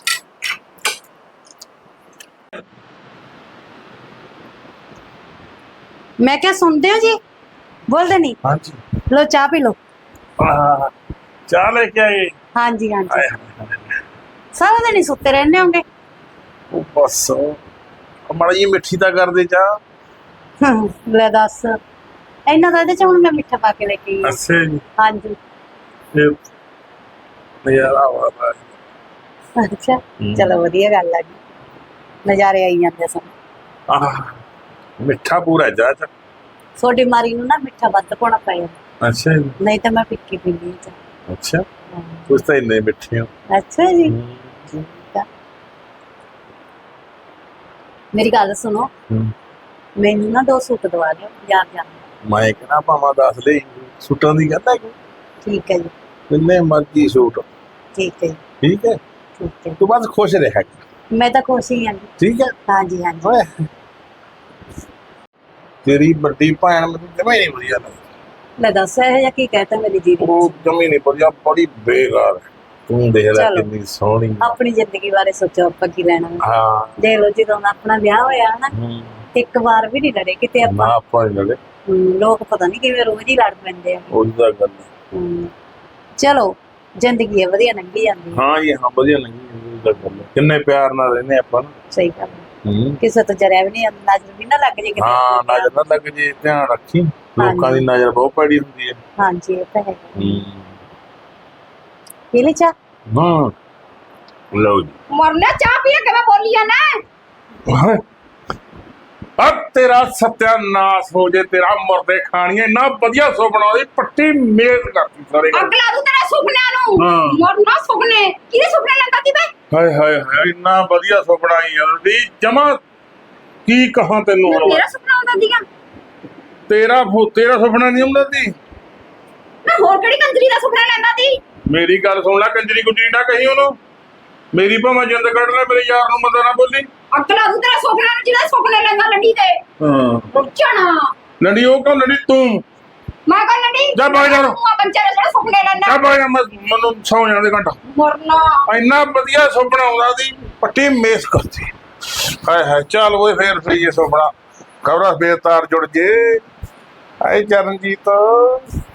Speaker 6: ਮੈਂ ਕਿਹਾ ਸੁਣਦੇ ਹੋ ਜੀ? ਬੋਲਦੇ ਨਹੀਂ?
Speaker 2: ਹਾਂਜੀ
Speaker 6: ਲੋ ਚਾਹ ਪੀ ਲੋ।
Speaker 2: ਆ ਚਾਹ ਲੈ ਕੇ ਆਏ।
Speaker 6: ਹਾਂਜੀ ਹਾਂਜੀ
Speaker 2: ਆਏ
Speaker 6: ਸਾਰਾ ਦਿਨ ਹੀ ਸੁੱਤੇ ਰਹਿੰਦੇ ਹੋਗੇ।
Speaker 2: ਉਹ ਬਸ ਮਾੜੀ ਜਿਹੀ ਮਿੱਠੀ ਤਾਂ ਕਰਦੇ ਚਾਹ।
Speaker 6: ਲੈ ਦੱਸ, ਇਹਨਾਂ ਦਾ ਇਹਦੇ ਚ ਹੁਣ ਮੈਂ ਮਿੱਠਾ ਪਾ ਕੇ ਲੈ ਕੇ ਆਈ।
Speaker 2: ਅੱਛਾ ਜੀ,
Speaker 6: ਹਾਂਜੀ
Speaker 2: ਇਹ ਨਜ਼ਾਰਾ ਆਵਾ।
Speaker 6: ਅੱਛਾ ਚਲੋ ਵਧੀਆ ਗੱਲ ਆ ਜੀ, ਨਜ਼ਾਰੇ ਆਈ ਜਾਂਦੇ ਸਨ।
Speaker 2: ਆਹ ਮਿੱਠਾ ਪੂਰਾ ਜਾ ਚ।
Speaker 6: ਛੋਟੀ ਮਾਰੀ ਨੂੰ ਨਾ ਮਿੱਠਾ ਵੱਧ ਪਾਉਣਾ ਪਿਆ,
Speaker 2: ਅੱਛਾ ਜੀ,
Speaker 6: ਨਹੀਂ ਤਾਂ ਮੈਂ ਫਿੱਕੀ ਪੀਂਦੀ ਹਾਂ।
Speaker 2: ਅੱਛਾ ਕੁਛ ਤਾਂ ਇੰਨੇ ਮਿੱਠੇ ਹੋ।
Speaker 6: ਅੱਛਾ ਜੀ ਠੀਕ ਆ। ਮੇਰੀ ਗੱਲ ਸੁਣੋ,
Speaker 2: ਹੂੰ।
Speaker 6: ਮੈਨੂੰ ਨਾ ਦੋ ਸੂਟ ਦਵਾ ਦਿਓ ਯਾਰ ਜਾਨ।
Speaker 2: ਮੈਂ ਕਹਿੰਦਾ ਭਾਵਾਂ ਦੱਸ ਦੇ, ਸੂਟਾਂ ਦੀ ਗੱਲ ਹੈ ਕਿ
Speaker 6: ਠੀਕ ਹੈ ਜੀ,
Speaker 2: ਕਿੰਨੇ ਮਰਜ਼ੀ ਸੂਟ।
Speaker 6: ਠੀਕ ਹੈ ਜੀ,
Speaker 2: ਠੀਕ ਹੈ,
Speaker 6: ਠੀਕ ਹੈ।
Speaker 2: ਤੂੰ ਬਸ ਖੁਸ਼ ਰਹਿ।
Speaker 6: ਮੈਂ ਤਾਂ ਖੁਸ਼ ਹੀ ਹਾਂ ਜੀ।
Speaker 2: ਠੀਕ ਹੈ।
Speaker 6: ਹਾਂਜੀ ਹਾਂਜੀ
Speaker 2: ਓਏ ਤੇਰੀ ਵੱਡੀ ਭੈਣ ਮੈਨੂੰ ਜਮਾ ਹੀ ਨਹੀਂ ਵਧੀਆ ਲੱਗਦੀ।
Speaker 7: ਲੈ ਦੱਸ ਇਹ ਜਾਂ ਕੀ ਕਹਤਾ ਮੇਰੀ ਜੀਵਨ
Speaker 2: ਉਹ ਜਮੀ ਨਹੀਂ ਵਧੀਆ, ਬੜੀ ਬੇਕਾਰ ਹੈ। ਤੂੰ ਦੇਖ ਲੈ
Speaker 7: ਚਲੋ।
Speaker 2: ਕਿੰਨੀ ਸੋਹਣੀ।
Speaker 7: ਆਪਣੀ ਜ਼ਿੰਦਗੀ ਬਾਰੇ ਸੋਚੋ ਆਪਾਂ ਕੀ ਲੈਣਾ ਵਾ।
Speaker 2: ਹਾਂ
Speaker 7: ਦੇਖ ਲਓ ਜਦੋਂ ਆਪਣਾ ਵਿਆਹ ਹੋਇਆ ਨਾ
Speaker 2: ਹਮ,
Speaker 7: ਇੱਕ ਵਾਰ ਵੀ ਨਹੀਂ ਲੜੇ ਕਿਤੇ
Speaker 2: ਨਾ
Speaker 7: ਆਪਾਂ।
Speaker 2: ਆਪਾਂ ਨੀ ਲੜੇ,
Speaker 7: ਹਮ, ਲੋਕ ਪਤਾ ਨਹੀਂ ਕਿਵੇਂ ਰੋਜ਼ ਹੀ ਲੜ ਪੈਂਦੇ ਆ।
Speaker 2: ਉਹਦੀ ਤਾਂ ਗੱਲ ਹੈ।
Speaker 7: ਹਮ, ਚਲੋ ਜ਼ਿੰਦਗੀ ਹੈ ਵਧੀਆ ਲੰਘੀ ਜਾਂਦੀ ਹੈ।
Speaker 2: ਹਾਂ ਜੀ ਹਾਂ, ਵਧੀਆ ਨਹੀਂ ਉਹਦੀ ਤਾਂ ਗੱਲ ਹੈ। ਕਿੰਨੇ ਪਿਆਰ ਨਾਲ ਰਹਿੰਦੇ ਆਪਾਂ ਨਾ।
Speaker 7: ਸਹੀ ਗੱਲ ਹੈ।
Speaker 2: ਹਮ,
Speaker 7: ਕਿਸੇ ਤੋਂ ਜਰਿਆ ਵੀ ਨਹੀਂ ਨਜ਼ਰ ਵੀ ਨਾ ਲੱਗ ਜੇ ਕਿਤੇ।
Speaker 2: ਹਾਂ ਨਜ਼ਰ ਨਾ ਲੱਗ ਜੇ, ਧਿਆਨ ਰੱਖੀ, ਲੋਕਾਂ ਦੀ ਨਜ਼ਰ ਬਹੁਤ ਪੈੜੀ ਹੁੰਦੀ ਹੈ।
Speaker 7: ਹਾਂਜੀ ਇਹ ਤਾਂ ਹੈ।
Speaker 2: ਹਮ,
Speaker 7: ਪੀ ਲਈ ਚਾਹ?
Speaker 2: ਹਾਂ ਲਓ ਜੀ।
Speaker 1: ਮਰਨਾ ਚਾਹ ਪੀ ਕੇ ਮੈਂ ਬੋਲੀ ਆ ਨਾ।
Speaker 2: ਆ ਤੇਰਾ ਸਤਿਆਨਾਸ਼ ਹੋ ਜੇ, ਤੇਰਾ ਮਰਦੇ ਖਾਣੀਏ। ਇੰਨਾ ਵਧੀਆ ਸੁਪਨਾ ਉਹਦੀ ਪੱਟੀ ਮੇਜ਼ ਕਰਤੀ ਸਾਰੇ ਘਰ।
Speaker 1: ਅੱਗ ਲਾ ਦੂ ਤੇਰੇ ਸੁਪਨਿਆਂ ਨੂੰ।
Speaker 2: ਹਾਂ।
Speaker 1: ਮਰਨਾ ਸੁਪਨੇ ਕਿਹਦੇ ਸੁਪਨੇ ਲੈਂਦਾ ਸੀ ਬੇ?
Speaker 2: ਹਾਏ ਹਾਏ ਹਾਏ, ਇੰਨਾ ਵਧੀਆ ਸੁਪਨਾ ਹੀ ਉਹਦੀ, ਜਮਾ ਕੀ ਕਹਾਂ ਤੈਨੂੰ ਹੁਣ ਮੈਂ।
Speaker 1: ਮੇਰਾ ਸੁਪਨਾ ਆਉਂਦਾ ਸੀਗਾ।
Speaker 2: ਤੇਰਾ ਫੋ- ਤੇਰਾ ਸੁਪਨਾ ਨਹੀਂ ਹੁੰਦਾ ਸੀ।
Speaker 1: ਮੈਂ ਹੋਰ ਕਿਹੜੀ ਕੰਜਰੀ ਦਾ ਸੁਪਨਾ ਲੈਂਦਾ ਸੀ?
Speaker 2: ਮੇਰੀ ਗੱਲ ਸੁਣ ਲੈ, ਕੰਜਰੀ ਗੁੰਜਰੀ ਨਾ ਕਹੀ ਉਹਨੂੰ। ਮੇਰੀ ਭਾਵੇਂ ਜਿੰਦ ਕੱਢ ਲੈ, ਮੇਰੇ ਯਾਰ ਨੂੰ ਮਤਾ ਨਾ ਬੋਲੀ।
Speaker 1: ਅੱਗ ਲਾ ਦੂ ਤੇਰੇ ਸੁਪਨਿਆਂ ਨੂੰ ਜਿਹਦਾ ਸੁਪਨੇ ਲੈਂਦਾ ਲੰਡੀ ਤੇ।
Speaker 2: ਹਾਂ
Speaker 1: ਪੁੱਛਣਾ
Speaker 2: ਲੜੀ ਉਹ ਕਿਉਂ ਲੜੀ ਤੂੰ?
Speaker 1: ਮੈਂ ਕਹਾਂ ਲੰਡੀ
Speaker 2: ਜਾ ਬਾਹਰ ਜਾ।
Speaker 1: ਤੂੰ ਆ ਬੰਚੇ ਦੇ ਜਿਹੜੇ ਸੁਪਨੇ ਲੈਂਦਾ।
Speaker 2: ਕਾ ਬਾਈ ਮੈਂ ਮੈਨੂੰ ਸੌ ਜਾਂਦੇ ਘੰਟਾ।
Speaker 1: ਮਰਨਾ
Speaker 2: ਇੰਨਾ ਵਧੀਆ ਸੁਪਨਾ ਆਉਂਦਾ ਸੀ, ਪੱਟੀ ਮੇਸ ਕਰਤੀ। ਹਾਏ ਹਾਏ, ਚੱਲ ਓਏ ਫੇਰ ਫਰੀ ਇਹ ਸੁਪਨਾ ਖਬਰਾਂ ਬੇਤਾਰ ਜੁੜ ਜੇ। ਆਏ ਚਰਨਜੀਤ।